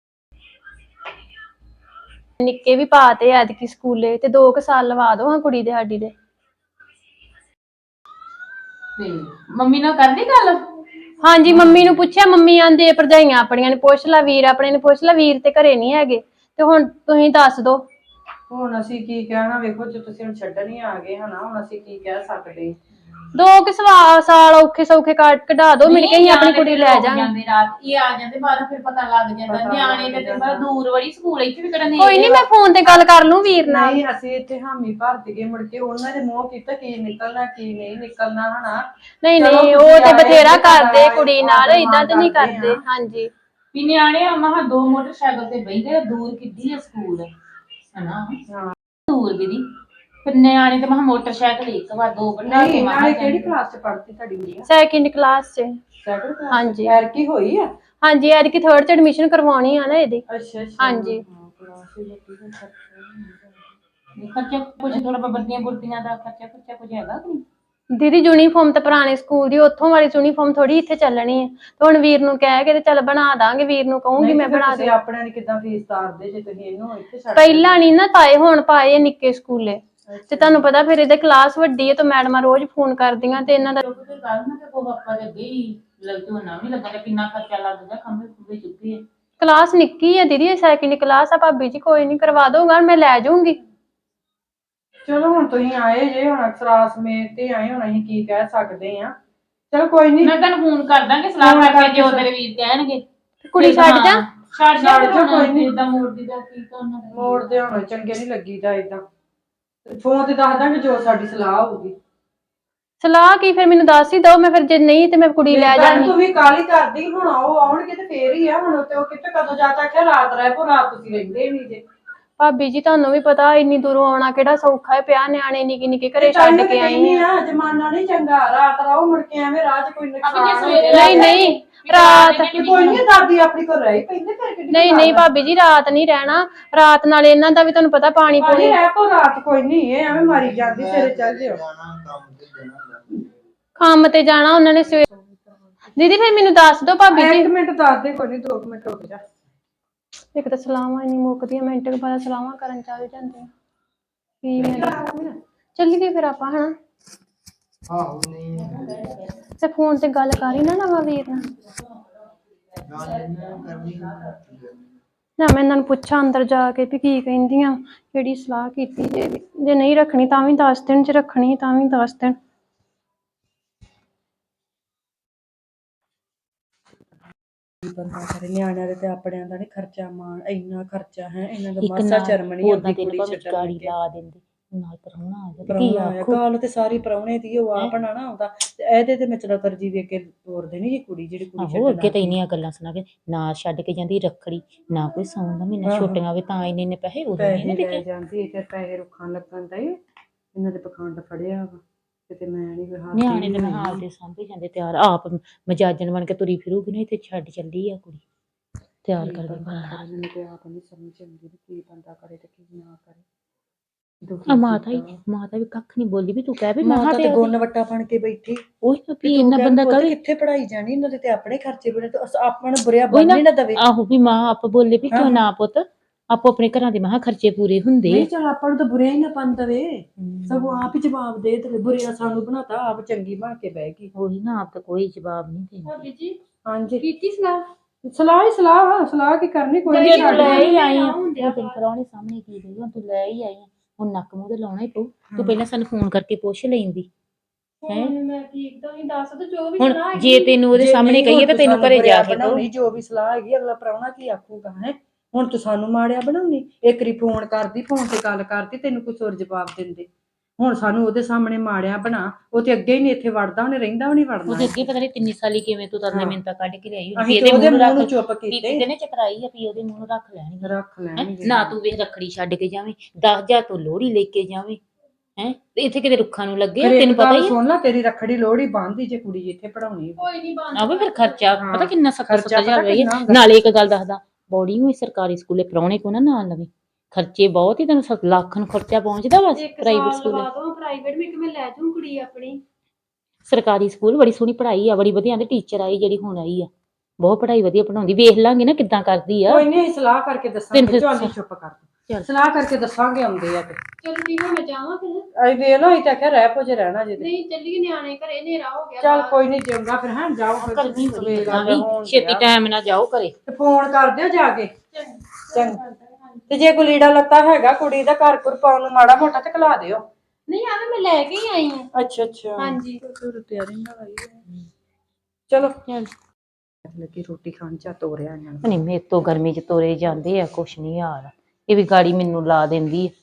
Speaker 2: ਨਿੱਕੇ ਵੀ ਪਾਤੇ ਐਤਕੀ ਸਕੂਲੇ, ਤੇ 2 ਸਾਲ ਲਵਾ ਦੋ ਕੁੜੀ ਦੇ ਸਾਡੀ ਦੇ।
Speaker 4: ਤੇ ਮੰਮੀ ਨਾਲ ਕਰ ਲਈ ਗੱਲ?
Speaker 2: ਹਾਂਜੀ ਮੰਮੀ ਨੂੰ ਪੁੱਛਿਆ, ਮੰਮੀ ਆਂਦੇ ਭਰਜਾਈਆਂ ਆਪਣੀਆਂ ਨੂੰ ਪੁੱਛ ਲੈ, ਵੀਰ ਆਪਣੇ ਨੂੰ ਪੁੱਛ ਲੈ, ਵੀਰ ਤੇ ਘਰੇ ਨਹੀਂ ਹੈਗੇ, ਤੇ ਹੁਣ ਤੁਸੀਂ ਦੱਸ ਦੋ।
Speaker 3: ਹੁਣ ਅਸੀਂ ਕੀ ਕਹਿਣਾ, ਵੇਖੋ ਜੇ ਤੁਸੀਂ ਹੁਣ ਛੱਡਣ ਹੀ ਆ ਗਏ ਹਨਾ, ਹੁਣ ਅਸੀਂ ਕੀ ਕਹਿ ਸਕਦੇ।
Speaker 2: 2 ਸਾਲ ਔਖੇ ਸੌਖੇ ਕਢਾ ਦੋ, ਮਿਲ ਕੇ ਹੀ ਆਪਣੀ ਕੁੜੀ ਲੈ ਜਾਾਂਗੇ।
Speaker 4: ਜਾਂਦੇ ਰਾਤ ਇਹ ਆ ਜਾਂਦੇ ਬਾਹਰ, ਫਿਰ ਪਤਾ ਲੱਗ ਜਾਂਦਾ। ਨਿਆਣੇ ਤੇ ਤੈਨੂੰ ਪਤਾ ਦੂਰ ਬੜੀ, ਸਕੂਲ ਇੱਥੇ ਵੀ ਕਿਹੜਾ ਨੇੜੇ।
Speaker 2: ਕੋਈ ਨਹੀਂ, ਮੈਂ ਫੋਨ ਤੇ ਗੱਲ ਕਰ ਲੂੰ ਵੀਰ ਨਾਲ।
Speaker 3: ਨਹੀਂ ਅਸੀਂ ਇੱਥੇ ਹਾਮੀ ਭਰ ਦਈਏ, ਮੁੜ ਕੇ ਉਹਨਾਂ ਦੇ ਮੂੰਹ ਕੀਤਾ ਕੀ ਨਿਕਲਣਾ ਕੀ ਨਹੀਂ ਨਿਕਲਣਾ ਹਨਾ।
Speaker 2: ਨਹੀਂ
Speaker 3: ਚਲੋ
Speaker 2: ਨਹੀਂ,
Speaker 3: ਤੁਸੀਂ
Speaker 2: ਉਹ ਤੇ
Speaker 3: ਆਏ
Speaker 2: ਬਥੇਰਾ
Speaker 3: ਜੇ ਤੁਹਾਡਾ
Speaker 2: ਕਰਦੇ ਕੁੜੀ ਨਾਲ,
Speaker 3: ਆਦਰ
Speaker 2: ਇਦਾਂ ਤੇ
Speaker 3: ਮਾਣ
Speaker 2: ਨਹੀਂ
Speaker 3: ਕਰਦੇ
Speaker 2: ਕਰਦੇ।
Speaker 3: ਆ।
Speaker 2: ਹਾਂਜੀ
Speaker 4: ਵੀ ਨਿਆਣੇ ਆ ਮਹਾ 2 ਮੋਟਰਸਾਈਕਲ ਤੇ ਬਹਿੰਦੇ, ਦੂਰ ਕਿੱਡੀ ਆ ਸਕੂਲ ਹਨਾ, ਦੂਰ ਦੀਦੀ। ਫਿਰ ਨਿਆਣੇ ਤੇ ਮਹਾ ਮੋਟਰਸਾਈਕਲ ਇੱਕ ਵਾਰ 2 ਬਿਠਾ ਕੇ
Speaker 3: ਨਹੀਂ
Speaker 4: ਮਹਾ
Speaker 3: ਨਾਲੇ ਕਿਹੜੀ ਕਲਾਸ ਚ ਪੜ੍ਹਦੀ ਤੁਹਾਡੀ ਗੁੜੀਆ?
Speaker 2: ਸੈਕਿੰਡ ਕਲਾਸ 'ਚ।
Speaker 3: Second class?
Speaker 2: ਹਾਂਜੀ
Speaker 3: ਐਰ ਕੀ ਹੋਈ ਆ?
Speaker 2: ਹਾਂਜੀ, ਐਤਕੀ 3rd 'ਚ ਐਡਮਿਸ਼ਨ ਕਰਵਾਉਣੀ ਆ ਨਾ ਇਹਦੀ।
Speaker 3: ਅੱਛਾ ਅੱਛਾ।
Speaker 2: ਹਾਂਜੀ
Speaker 3: ਕਲਾਸ ਹੀ ਲੱਗੀ ਹੋਈ ਖਰਚਾ।
Speaker 4: ਖਰਚਾ ਕੁਝ ਥੋੜਾ ਬੱਦੀਆਂ ਬੁਰਦੀਆਂ ਦਾ ਖਰਚਾ ਕੁਝ ਹੈਗਾ ਕਿ ਨਹੀਂ?
Speaker 2: ਦੀਦੀ ਯੂਨੀਫਾਰਮ ਤਾਂ ਪੁਰਾਣੇ ਸਕੂਲ ਦੀ, ਉੱਥੋਂ ਵਾਲੀ ਯੂਨੀਫਾਰਮ ਥੋੜੀ ਇੱਥੇ ਚੱਲਣੀ ਹੈ। ਤੇ ਹੁਣ ਵੀਰ ਨੂੰ ਕਹਿ ਕੇ ਤੇ ਚੱਲ ਬਣਾ ਦਾਂਗੇ, ਵੀਰ ਨੂੰ ਕਹੂੰਗੀ ਮੈਂ ਬਣਾ ਦੇ।
Speaker 3: ਤੁਸੀਂ ਆਪਣੇ ਨੇ ਕਿਦਾਂ ਫੀਸ ਤਾਰਦੇ ਜੇ ਤੁਸੀਂ ਇਹਨੂੰ ਇੱਥੇ ਛੱਡ?
Speaker 2: ਪਹਿਲਾਂ ਨਹੀਂ ਨਾ ਪਾਏ, ਹੁਣ ਪਾਏ ਨਿੱਕੇ ਸਕੂਲੇ। ਤੇ ਤੁਹਾਨੂੰ ਪਤਾ ਫਿਰ ਇਹਦੇ ਕਲਾਸ ਵੱਡੀ ਹੈ, ਤੇ ਮੈਡਮਾਂ ਰੋਜ਼ ਫੋਨ ਕਰਦੀਆਂ, ਤੇ ਇਹਨਾਂ ਦਾ
Speaker 4: ਝੋਨਾ ਵੀ ਲੱਗਾ, ਕਿੰਨਾ ਖਰਚਾ ਲੱਗਦਾ, ਖੰਭੇ ਖੁੰਭੇ ਚੁੱਕੇ।
Speaker 2: ਕਲਾਸ ਨਿੱਕੀ ਹੈ ਦੀਦੀ, ਸੈਕਿੰਡ ਕਲਾਸ ਆ। ਭਾਬੀ ਜੀ ਕੋਈ ਨਹੀਂ, ਕਰਵਾ ਦਊਗਾ, ਮੈਂ ਲੈ ਜਾਊਂਗੀ।
Speaker 3: ਚਲੋ ਹੁਣ ਤੁਸੀਂ ਆਏ ਜੇ, ਹੁਣ ਸਰਾਸ ਮੇਰ ਤੇ ਆਏ, ਹੁਣ ਅਸੀਂ ਕੀ ਕਹਿ ਸਕਦੇ ਆ। ਚਲ ਕੋਈ ਨਹੀਂ,
Speaker 4: ਮੈਂ ਤੁਹਾਨੂੰ ਫੋਨ ਕਰ ਦਾਂਗੇ, ਸਲਾਹ ਕਰਕੇ ਜੋ ਤੇਰੇ ਵੀਰ ਕਹਿਣਗੇ।
Speaker 2: ਕੁੜੀ ਛੱਡ ਜਾ।
Speaker 4: ਛੱਡ ਜਾ
Speaker 3: ਕੋਈ ਨਹੀਂ।
Speaker 4: ਏਦਾਂ ਮੋੜਦੀ ਦਾ ਕੀ ਕਰਨਾ।
Speaker 3: ਮੋੜਦੇ ਹੋਣੇ ਚੰਗੇ ਨਹੀਂ ਲੱਗੀਦਾ ਏਦਾਂ। ਫੋਨ ਤੇ ਦੱਸ ਦਾਂਗੇ ਜੋ ਸਾਡੀ ਸਲਾਹ ਹੋਊਗੀ।
Speaker 2: ਸਲਾਹ ਕੀ, ਫਿਰ ਮੈਨੂੰ ਦੱਸ ਹੀ ਦੋ, ਮੈਂ ਫਿਰ ਜੇ ਨਹੀਂ ਤੇ ਮੈਂ ਕੁੜੀ ਲੈ ਜਾਣੀ।
Speaker 3: ਤੂੰ ਵੀ ਕਾਹਲੀ ਕਰਦੀ, ਹੁਣ ਉਹ ਆਉਣਗੇ ਤੇ ਫੇਰ ਹੀ ਆ। ਹੁਣ ਤੇ ਉਹ ਕਿੱਥੇ ਕਦੋਂ ਜਾ ਤੱਕ ਰਾਤ ਰਹਿ ਪੋ, ਰਾਤ ਤੁਸੀਂ ਰਹਿੰਦੇ ਨਹੀਂ ਜੇ।
Speaker 2: ਭਾਬੀ ਜੀ ਤੁਹਾਨੂੰ ਵੀ ਪਤਾ, ਇੰਨੀ ਦੂਰੋਂ ਆਉਣਾ ਕਿਹੜਾ ਸੌਖਾ ਹੈ, ਪਿਆ ਨਿਆਣੇ ਨਿੱਕੇ ਨਿੱਕੇ ਘਰੇ ਛੱਡ ਕੇ ਆਈ ਆ।
Speaker 3: ਜਮਾਨਾ ਨਹੀਂ ਚੰਗਾ, ਰਾਤ ਰਹੋ ਮੁੜ ਕੇ ਐਵੇਂ ਰਾਹ 'ਚ ਕੋਈ ਨੁਕਸਾਨ ਹੋ ਜਾਏ।
Speaker 2: ਨਹੀਂ ਨਹੀਂ ਰਾਤ
Speaker 3: ਕੋਈ ਨਹੀਂ, ਦਾਦੀ ਆਪਣੀ ਕੋਲ ਰਹੀ ਪੈਂਦੇ ਫਿਰ ਕਿੱਡੀ
Speaker 2: ਨਹੀਂ ਨਹੀਂ ਭਾਬੀ ਜੀ, ਰਾਤ ਨਹੀਂ ਰਹਿਣਾ। ਰਾਤ ਨਾਲ ਇਹਨਾਂ ਦਾ ਵੀ ਤੁਹਾਨੂੰ ਪਤਾ ਪਾਣੀ ਪੂਣੀ।
Speaker 3: ਰਹਿ ਪੋ ਰਾਤ, ਕੋਈ ਨਹੀਂ, ਇਹ ਐਵੇਂ ਮਾਰੀ ਜਾਂਦੀ, ਸਵੇਰੇ ਚੱਲ ਜਿਓ।
Speaker 2: ਕੰਮ ਤੇ ਜਾਣਾ ਉਹਨਾਂ ਨੇ ਸਵੇਰ। ਦੀਦੀ ਫਿਰ ਮੈਨੂੰ ਦੱਸ ਦੋ ਭਾਬੀ ਜੀ।
Speaker 3: 1 ਮਿੰਟ ਦੱਸ ਦੇ, ਕੋਈ ਨਹੀਂ 2 ਮਿੰਟ ਰੁਕ ਜਾ।
Speaker 2: ਇੱਕ ਤਾਂ ਸਲਾਹਾਂ ਨਹੀਂ ਮੁੱਕਦੀਆਂ, ਮਿੰਟ ਕੁ ਬਾਅਦ ਸਲਾਹਾਂ ਕਰਨ ਚੱਲ ਜਾਂਦੇ ਆ। ਕੀ ਚੱਲੀਏ ਫਿਰ ਆਪਾਂ, ਹਨਾ?
Speaker 1: ਆਹੋ ਨਹੀਂ
Speaker 2: ਤੇ ਫੋਨ ਤੇ ਗੱਲ ਕਰ ਹੀ ਨਾ ਨਵਾਂ ਵੀਰ ਨਾਲ। ਨਾ ਮੈਂ ਇਹਨਾਂ ਨੂੰ ਪੁੱਛਾਂ ਅੰਦਰ ਜਾ ਕੇ ਵੀ ਕੀ ਕਹਿੰਦੀਆਂ, ਕਿਹੜੀ ਸਲਾਹ ਕੀਤੀ ਜੇ ਨਹੀਂ ਰੱਖਣੀ ਤਾਂ ਵੀ ਦੱਸ ਦੇਣ, ਜੇ ਰੱਖਣੀ ਤਾਂ ਵੀ ਦੱਸ ਦੇਣ।
Speaker 3: ਬੰਦਾ ਕਰੇ, ਨਿਆਣਿਆਂ ਦੇ ਤੇ ਆਪਣਿਆਂ ਦਾ ਨਹੀਂ ਖਰਚਾ ਮਾਣ, ਇੰਨਾ ਖਰਚਾ ਹੈ ਇਹਨਾਂ ਦਾ, ਮਾਸਾ ਸ਼ਰਮ ਨਹੀਂ ਆਉਂਦੀ ਕੁੜੀ ਛੱਡਣ ਲੱਗੇ।
Speaker 4: ਲਾ ਦਿੰਦੇ ਨਾਲ ਪਰਾਉਣਾ ਆ ਗਿਆ
Speaker 3: ਪ੍ਰਾਹੁਣਾ ਆਇਆ, ਗੱਲ ਤੇ ਸਾਰੀ ਪ੍ਰਾਹੁਣੇ ਦੀ, ਉਹ ਆਪ ਨਾ ਆਉਂਦਾ ਇਹਦੇ ਤੇ ਮੈਂ ਚਲਾ ਤਰਜੀ ਵੇਖ ਕੇ ਤੋਰ ਦੇਣੀ ਜੀ ਕੁੜੀ, ਜਿਹੜੀ ਕੁੜੀ
Speaker 4: ਆਹੋ ਅੱਗੇ ਤਾਂ ਇੰਨੀਆਂ ਗੱਲਾਂ ਸੁਣਾ ਕੇ ਨਾ ਛੱਡ ਕੇ ਜਾਂਦੀ ਰੱਖੜੀ, ਨਾ ਕੋਈ ਸੌਣ ਦਾ ਮਹੀਨਾ ਛੁੱਟੀਆਂ ਹੋਵੇ ਤਾਂ ਇੰਨੇ ਪੈਸੇ ਉਦੋਂ ਨਹੀਂ
Speaker 3: ਲੈ ਜਾਂਦੀ, ਫਿਰ ਪੈਸੇ ਰੁੱਖਾਂ ਲੱਗਣ ਦਾ ਇਹਨਾਂ ਦੇ ਪਖੰਡ ਫੜਿਆ ਵਾ। ਕਿਤੇ ਮੈਂ ਨਹੀਂ
Speaker 4: ਨਿਆਣੇ ਦੇ ਹਾਲ ਦੇ ਸਾਂਭੇ ਜਾਂਦੇ, ਤਿਆਰ ਆਪ ਮਜਾਜਨ ਬਣ ਕੇ ਤੁਰੀ ਫਿਰੂਗੀ ਨਾ, ਇੱਥੇ ਛੱਡ ਚੱਲੀ ਆ ਕੁੜੀ ਤਿਆਰ ਕਰਕੇ।
Speaker 3: ਮੈਨੂੰ ਤੇ ਆਪ ਨਹੀਂ ਸਮਝ ਆਉਂਦੀ ਵੀ ਕੀ ਬੰਦਾ ਕਰੇ ਤੇ ਕੀ ਨਾ ਕਰੇ।
Speaker 4: ਮਾਤਾ ਵੀ ਕੱਖ ਨਹੀਂ ਬੋਲੀ, ਵੀ ਤੂੰ ਕਹਿ ਵੀ
Speaker 3: ਮਾਤਾ ਤੇ ਗੁੰਨ ਵੱਟਾ ਬਣ ਕੇ ਬੈਠੀ।
Speaker 4: ਉਹੀ ਵੀ ਇੰਨਾ ਬੰਦਾ ਕਵੇ
Speaker 3: ਕਿੱਥੇ ਪੜਾਈ ਜਾਣੀ, ਇਹਨਾਂ ਦੇ ਤੇ ਆਪਣੇ ਖਰਚੇ ਬਣੇ, ਤੇ ਆਪਾਂ ਨੂੰ ਬੁਰਿਆ ਬੰਨ ਨਾ ਦਵੇ।
Speaker 4: ਆਹੋ ਵੀ ਮਾਂ ਆਪ ਬੋਲੇ ਵੀ ਕਿਉਂ ਨਾ ਪੁੱਤ, ਆਪੋ ਆਪਣੇ ਘਰਾਂ ਦੇ ਮਹਾ ਖਰਚੇ ਪੂਰੇ ਹੁੰਦੇ।
Speaker 3: ਨਹੀਂ ਚਲ ਆਪਾਂ ਨੂੰ ਤਾਂ ਬੁਰਿਆ ਹੀ ਨਾ ਬਣ ਦਵੇ, ਸਗੋਂ ਆਪ ਹੀ ਜਵਾਬ ਦੇ ਤੇ ਬੁਰਿਆ ਸਾਨੂੰ ਬਣਾਤਾ, ਆਪ ਚੰਗੀ ਬਣ ਕੇ ਬਹਿ ਗਈ।
Speaker 4: ਉਹੀ ਨਾ, ਆਪ ਤਾਂ ਕੋਈ ਜਵਾਬ ਨਹੀਂ ਦੇਣਾ।
Speaker 2: ਭਾਬੀ ਜੀ
Speaker 3: ਹਾਂਜੀ
Speaker 2: ਕੀਤੀ ਸਲਾਹ?
Speaker 3: ਸਲਾਹ ਕੀ ਕਰਨੀ, ਕੋਈ
Speaker 4: ਨਹੀਂ ਲੈ ਹੀ ਆਈ ਆ, ਉਹ ਤੇਰੇ ਪਰਾਉਣੇ ਸਾਹਮਣੇ ਕੀ ਗਈ, ਹੁਣ ਤੂੰ ਲੈ ਹੀ ਆਈ ਆ, ਹੁਣ ਨੱਕ ਮੂੰਹ ਤੇ ਲਾਉਣਾ ਹੀ ਪਊ। ਤੂੰ ਪਹਿਲਾਂ ਸਾਨੂੰ ਫੋਨ ਕਰਕੇ ਪੁੱਛ ਲੈਂਦੀ।
Speaker 2: ਮੈਂ ਠੀਕ ਤਾਂ ਨਹੀਂ ਦੱਸ ਦੋ ਜੋ ਵੀ
Speaker 4: ਹੁਣ
Speaker 2: ਸਲਾਹ ਹੈਗੀ।
Speaker 4: ਜੇ ਤੈਨੂੰ ਉਹਦੇ ਸਾਹਮਣੇ ਕਹੀਏ ਤਾਂ ਤੈਨੂੰ ਘਰੇ ਜਾ ਕੇ
Speaker 3: ਬਣਾਉਣੀ, ਜੋ ਵੀ ਸਲਾਹ ਹੈਗੀ ਅਗਲਾ ਪ੍ਰਾਹੁਣਾ ਕੀ ਆਖੂਗਾ ਹੈ। ਹੁਣ ਤੂੰ ਸਾਨੂੰ ਮਾੜਿਆ ਬਣਾਉਣੀ, ਇੱਕ ਵਾਰੀ ਫੋਨ ਕਰਦੀ, ਫੋਨ ਤੇ ਗੱਲ ਕਰਦੀ, ਤੈਨੂੰ ਕੁਛ ਹੋਰ ਜਵਾਬ ਦਿੰਦੇ। ਹੁਣ ਸਾਨੂੰ ਉਹਦੇ ਸਾਹਮਣੇ ਮਾੜਿਆ ਬਣਾ, ਉਹ ਤੇ ਅੱਗੇ ਹੀ ਨਹੀਂ ਇੱਥੇ ਵੜਦਾ, ਉਹਨੇ ਰਹਿੰਦਾ ਵੀ ਨਹੀਂ ਵੜਨਾ।
Speaker 4: ਉਹਦੇ ਅੱਗੇ ਪਤਾ ਨਹੀਂ ਕਿੰਨੀ ਸਾਲੀ ਕਿਵੇਂ ਤੂੰ ਤਰਲੇ ਮਿੰਤਾ ਕੱਢ ਕੇ ਲਿਆਈ ਹੋਣੀ,
Speaker 3: ਅਸੀਂ ਉਹਦੇ ਮੂੰਹ ਨੂੰ ਚੁੱਪ ਕੀਤੇ,
Speaker 4: ਨੇ ਚਕਰਾਈ ਆ ਵੀ ਉਹਦੇ ਮੂੰਹ ਨੂੰ ਰੱਖ ਲੈਣਗੇ ਨਾ। ਤੂੰ ਵੇਖ ਰੱਖੜੀ ਛੱਡ ਕੇ ਜਾਵੇਂ, 10,000 ਤੂੰ ਲੋਹੜੀ ਲੈ ਕੇ ਜਾਵੇਂ, ਹੈ ਇੱਥੇ ਕਿਤੇ ਰੁੱਖਾਂ ਨੂੰ ਲੱਗੇ, ਤੈਨੂੰ ਪਤਾ ਹੀ
Speaker 3: ਸੁਣ ਲੈ, ਤੇਰੀ ਰੱਖੜੀ ਲੋਹੜੀ ਬੰਨ੍ਹਦੀ ਜੇ ਕੁੜੀ ਇੱਥੇ ਪੜਾਉਣੀ।
Speaker 2: ਕੋਈ ਨਹੀਂ ਬੰਦ
Speaker 4: ਆਵੇ ਫਿਰ ਖਰਚਾ ਪਤਾ ਕਿੰਨਾ 70,000 ਰੁਪਇਆ। ਨਾਲੇ ਇੱਕ ਗੱਲ ਦੱਸਦਾ, ਬੋੜੀ ਹੋਈ ਸਰਕਾਰੀ ਸਕੂਲੇ ਪ੍ਰਾਹੁਣੇ ਕੋ ਨਾ ਨਾਲ ਲਵੇ, ਖਰਚੇ ਬਹੁਤ ਹੀ, ਤੈਨੂੰ ਲੱਖ ਨੂੰ ਖਰਚਾ ਪਹੁੰਚਦਾ ਵਾ ਪ੍ਰਾਈਵੇਟ ਸਕੂਲ।
Speaker 2: ਪ੍ਰਾਈਵੇਟ ਵਿੱਚ ਮੈਂ ਲੈ ਜਾਊਂ ਕੁੜੀ ਆਪਣੀ।
Speaker 4: ਸਰਕਾਰੀ ਸਕੂਲ ਬੜੀ ਸੋਹਣੀ ਪੜ੍ਹਾਈ ਆ, ਬੜੀ ਵਧੀਆ, ਟੀਚਰ ਆਈ ਜਿਹੜੀ ਹੁਣ ਆਈ ਆ, ਬਹੁਤ ਪੜ੍ਹਾਈ ਵਧੀਆ ਪੜਾਉਂਦੀ, ਵੇਖ ਲਾਂਗੇ ਨਾ ਕਿੱਦਾਂ ਕਰਦੀ ਆ।
Speaker 3: ਕੋਈ ਨਹੀਂ, ਸਲਾਹ ਕਰਕੇ ਦੱਸਾਂਗੇ, ਚੱਲ ਚੁੱਪ ਕਰ।
Speaker 4: ਚੱਲ।
Speaker 3: ਸਲਾਹ ਕਰਕੇ ਦੱਸਾਂਗੇ ਆਉਂਦੇ ਆ ਤੇ
Speaker 2: ਚਲੋ ਠੀਕ ਆ, ਮੈਂ ਜਾਵਾਂ ਫਿਰ।
Speaker 3: ਅਸੀਂ ਵੇਖ ਲਓ ਅਸੀਂ ਤਾਂ ਆਖਿਆ ਰਹਿ ਪੋ ਜੇ ਰਹਿਣਾ ਜੇ ਤੇ।
Speaker 2: ਨਹੀਂ ਚੱਲੀਏ, ਨਿਆਣੇ ਘਰੇ ਹਨੇਰਾ ਹੋ ਗਿਆ
Speaker 3: ਚੱਲ
Speaker 2: ਬਾਹਰ।
Speaker 3: ਕੋਈ ਨਹੀਂ ਚੰਗਾ ਫਿਰ ਹਾਂ ਜਾਓ ਫਿਰ
Speaker 4: ਗਰਮੀ ਬੜੀ
Speaker 3: ਸਵੇਰ ਦਾ ਹੋਣ
Speaker 4: ਛੇਤੀ
Speaker 3: ਡਿਆ।
Speaker 4: ਟਾਈਮ ਨਾਲ ਜਾਓ ਘਰੇ।
Speaker 3: ਤੇ ਫੋਨ ਕਰ ਦਿਓ ਜਾ ਕੇ ਚੰਗਾ। ਤੇ ਜੇ ਕੋਈ ਲੀੜਾ ਲੱਤਾ ਹੈਗਾ ਕੁੜੀ ਦਾ ਘਰ ਘੁਰ ਪਾਉਣ ਨੂੰ ਮਾੜਾ ਮੋਟਾ ਤੇ ਖਿਲਾ ਦਿਓ।
Speaker 2: ਨਹੀਂ ਆਵੇ ਮੈਂ ਲੈ ਕੇ ਹੀ ਆਈ ਹਾਂ।
Speaker 3: ਅੱਛਾ
Speaker 2: ਹਾਂਜੀ।
Speaker 3: ਤਿਆਰੀ ਨਾ ਆਈ ਚਲੋ ਲੱਗੀ ਰੋਟੀ ਖਾਣ ਚਾ ਤੋਰਿਆ ਇਹਨਾਂ ਨੂੰ।
Speaker 4: ਨਹੀਂ ਮੇਰੇ ਤੋਂ ਗਰਮੀ ਚ ਤੋਰੇ ਜਾਂਦੇ ਆ, ਕੁਛ ਨਹੀਂ ਹਾਲ। ਇਹ ਵੀ ਗਾੜੀ ਮੈਨੂੰ ਲਾ ਦਿੰਦੀ ਆ।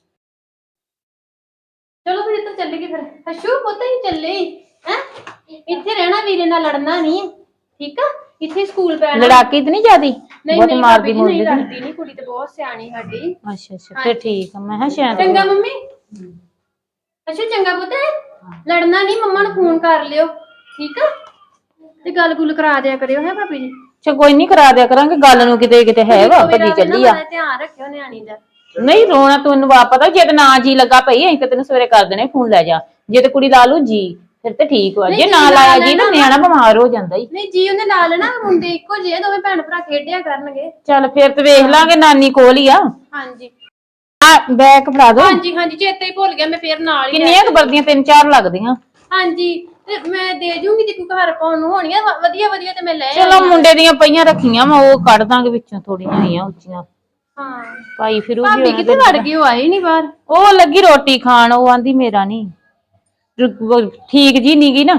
Speaker 2: ਚਲੋ ਫਿਰ ਇੱਧਰ ਚੱਲੀਏ ਫਿਰ। ਅਸ਼ੂ ਪੁੱਤ ਹੀ ਚੱਲੇ ਹੈ। ਇੱਥੇ ਰਹਿਣਾ, ਵੀਰੇ ਨਾਲ ਲੜਨਾ ਨਹੀਂ, ਠੀਕ ਆ। ਇੱਥੇ ਸਕੂਲ ਪੈਣਾ।
Speaker 4: ਲੜਾਕੀ ਤੇ ਨਹੀਂ ਜਿਆਦੀ?
Speaker 2: ਨਹੀਂ
Speaker 4: ਬਹੁਤ
Speaker 2: ਨਹੀਂ
Speaker 4: ਮਾਰਦੀ
Speaker 2: ਭਾਬੀ ਜੀ,
Speaker 4: ਮੁਰਦੀ
Speaker 2: ਨਹੀਂ
Speaker 4: ਤੇ
Speaker 2: ਲੜਦੀ ਨਹੀਂ, ਕੁੜੀ ਤੇ ਬਹੁਤ ਸਿਆਣੀ ਸਾਡੀ।
Speaker 4: ਅੱਛਾ ਅੱਛਾ ਫਿਰ ਠੀਕ ਆ। ਮੈਂ ਕਿਹਾ ਸ਼ਾਇਦ
Speaker 2: ਚੰਗਾ ਮੰਮੀ। ਅੱਛਾ ਚੰਗਾ ਪੁੱਤ, ਲੜਨਾ ਨਹੀਂ, ਮੰਮਾ ਨੂੰ ਫੋਨ ਕਰ ਲਿਓ, ਠੀਕ ਆ। ਤੇ ਗੱਲ ਗੁੱਲ ਕਰਾ ਦਿਆ ਕਰਿਓ ਹੈ ਭਾਬੀ ਜੀ।
Speaker 4: ਅੱਛਾ ਕੋਈ ਨਹੀਂ ਕਰਾ ਦਿਆ ਕਰਾਂਗੇ ਗੱਲ ਨੂੰ। ਕਿਤੇ ਕਿਤੇ ਹੈ ਵਾ ਭੱਜੀ ਚੱਲੀ ਆ।
Speaker 2: ਧਿਆਨ ਰੱਖਿਓ ਨਿਆਣੀ ਦਾ।
Speaker 4: ਨਹੀਂ ਰੋਣਾ ਤੈਨੂੰ ਵਾ ਪਤਾ, ਜੇ ਤੇ ਨਾ ਜੀ ਲੱਗਾ ਪਈ ਅਸੀਂ ਤੇ ਤੈਨੂੰ ਸਵੇਰੇ ਕਰ ਦੇਣੇ ਫੋਨ, ਲੈ ਜਾ। ਜੇ ਤੇ ਕੁੜੀ ਲਾ ਲੂ ਜੀ ਫਿਰ ਤੇ ਠੀਕ ਵਾ, ਜੇ ਨਾ ਲਾਇਆ ਜੀ ਤਾਂ ਨਿਆਣਾ ਬਿਮਾਰ ਹੋ ਜਾਂਦਾ ਹੀ।
Speaker 2: ਨਹੀਂ ਜੀ ਉਹਨੇ ਲਾ ਲੈਣਾ, ਮੁੰਡੇ ਇੱਕੋ ਜਿਹੇ, ਦੋਵੇਂ ਭੈਣ ਭਰਾ ਖੇਡਿਆ ਕਰਨਗੇ।
Speaker 4: ਚੱਲ ਫਿਰ ਤੇ ਵੇਖ ਲਾਂਗੇ, ਨਾਨੀ ਕੋਲ ਹੀ ਆ।
Speaker 2: ਹਾਂਜੀ
Speaker 4: ਆ ਬੈਗ ਫੜਾ ਦੋ।
Speaker 2: ਹਾਂਜੀ ਹਾਂਜੀ, ਚੇਤੇ ਹੀ ਭੁੱਲ ਗਿਆ, ਮੈਂ ਫੇਰ ਨਾਲ ਹੀ
Speaker 4: ਕਿੰਨੀਆਂ ਕੁ ਵਰਦੀਆਂ? 3-4 ਲੱਗਦੀਆਂ।
Speaker 2: ਹਾਂਜੀ ਤੇ ਮੈਂ ਦੇ ਜੂੰਗੀ, ਜੇ ਕੋਈ ਘਰ ਪਾਉਣ ਨੂੰ ਹੋਣੀਆਂ ਵਧੀਆ ਵਧੀਆ ਤੇ ਮੈਂ ਲੈ
Speaker 4: ਚਲੋ ਮੁੰਡੇ ਦੀਆਂ ਪਈਆਂ ਰੱਖੀਆਂ ਵਾ, ਉਹ ਕੱਢ ਦਾਂਗੇ ਵਿੱਚੋਂ, ਥੋੜੀਆਂ ਆਈਆਂ ਉੱਚੀਆਂ
Speaker 2: ਹਾਂ।
Speaker 4: ਪਾਈ ਫਿਰੂਗੀ।
Speaker 2: ਭਾਬੀ ਕਿੱਥੇ ਵੜ ਗਈ? ਉਹ ਆਈ ਨਹੀਂ ਬਾਹਰ।
Speaker 4: ਉਹ ਲੱਗੀ ਰੋਟੀ ਖਾਣ, ਉਹ ਆਂਦੀ ਮੇਰਾ ਨਹੀਂ ਠੀਕ ਜੀ ਨੀ ਗੀ ਨਾ।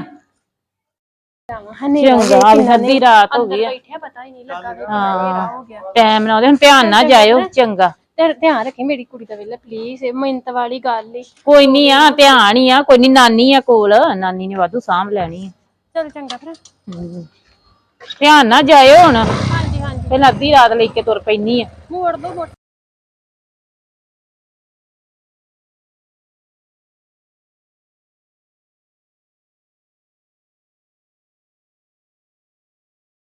Speaker 4: ਚੰਗਾ ਵੀ ਅੱਧੀ ਰਾਤ ਹੋ ਗਈ ਆ।
Speaker 2: ਬੈਠਿਆ ਪਤਾ ਹੀ ਨਹੀਂ ਲੱਗਾ ਵੀ
Speaker 4: ਹਾਂ
Speaker 2: ਹੋ ਗਿਆ।
Speaker 4: ਟਾਈਮ ਨਾਲ ਉਹਦੇ ਧਿਆਨ ਨਾਲ ਜਾਇਓ। ਚੰਗਾ
Speaker 2: ਤੇ ਧਿਆਨ ਰੱਖੀ ਮੇਰੀ ਕੁੜੀ ਦਾ ਵੇਲੇ ਪਲੀਜ਼, ਇਹ ਮਿੰਟ ਵਾਲੀ ਗੱਲ ਈ।
Speaker 4: ਕੋਈ ਨਹੀਂ ਆ, ਧਿਆਨ ਹੀ ਆ, ਕੋਈ ਨਹੀਂ। ਨਾਨੀ ਆ ਕੋਲ, ਨਾਨੀ ਨੇ ਵਾਧੂ ਸਾਂਭ ਲੈਣੀ ਆ।
Speaker 2: ਚਲ ਚੰਗਾ ਫਿਰ।
Speaker 4: ਧਿਆਨ ਨਾਲ ਜਾਇਓ ਹੁਣ।
Speaker 2: ਹਾਂਜੀ ਹਾਂਜੀ,
Speaker 4: ਪਹਿਲਾਂ ਅੱਧੀ ਰਾਤ ਲੈ ਕੇ ਤੁਰ ਪੈਣੀ ਆ।
Speaker 2: ਮੋੜ ਦੋ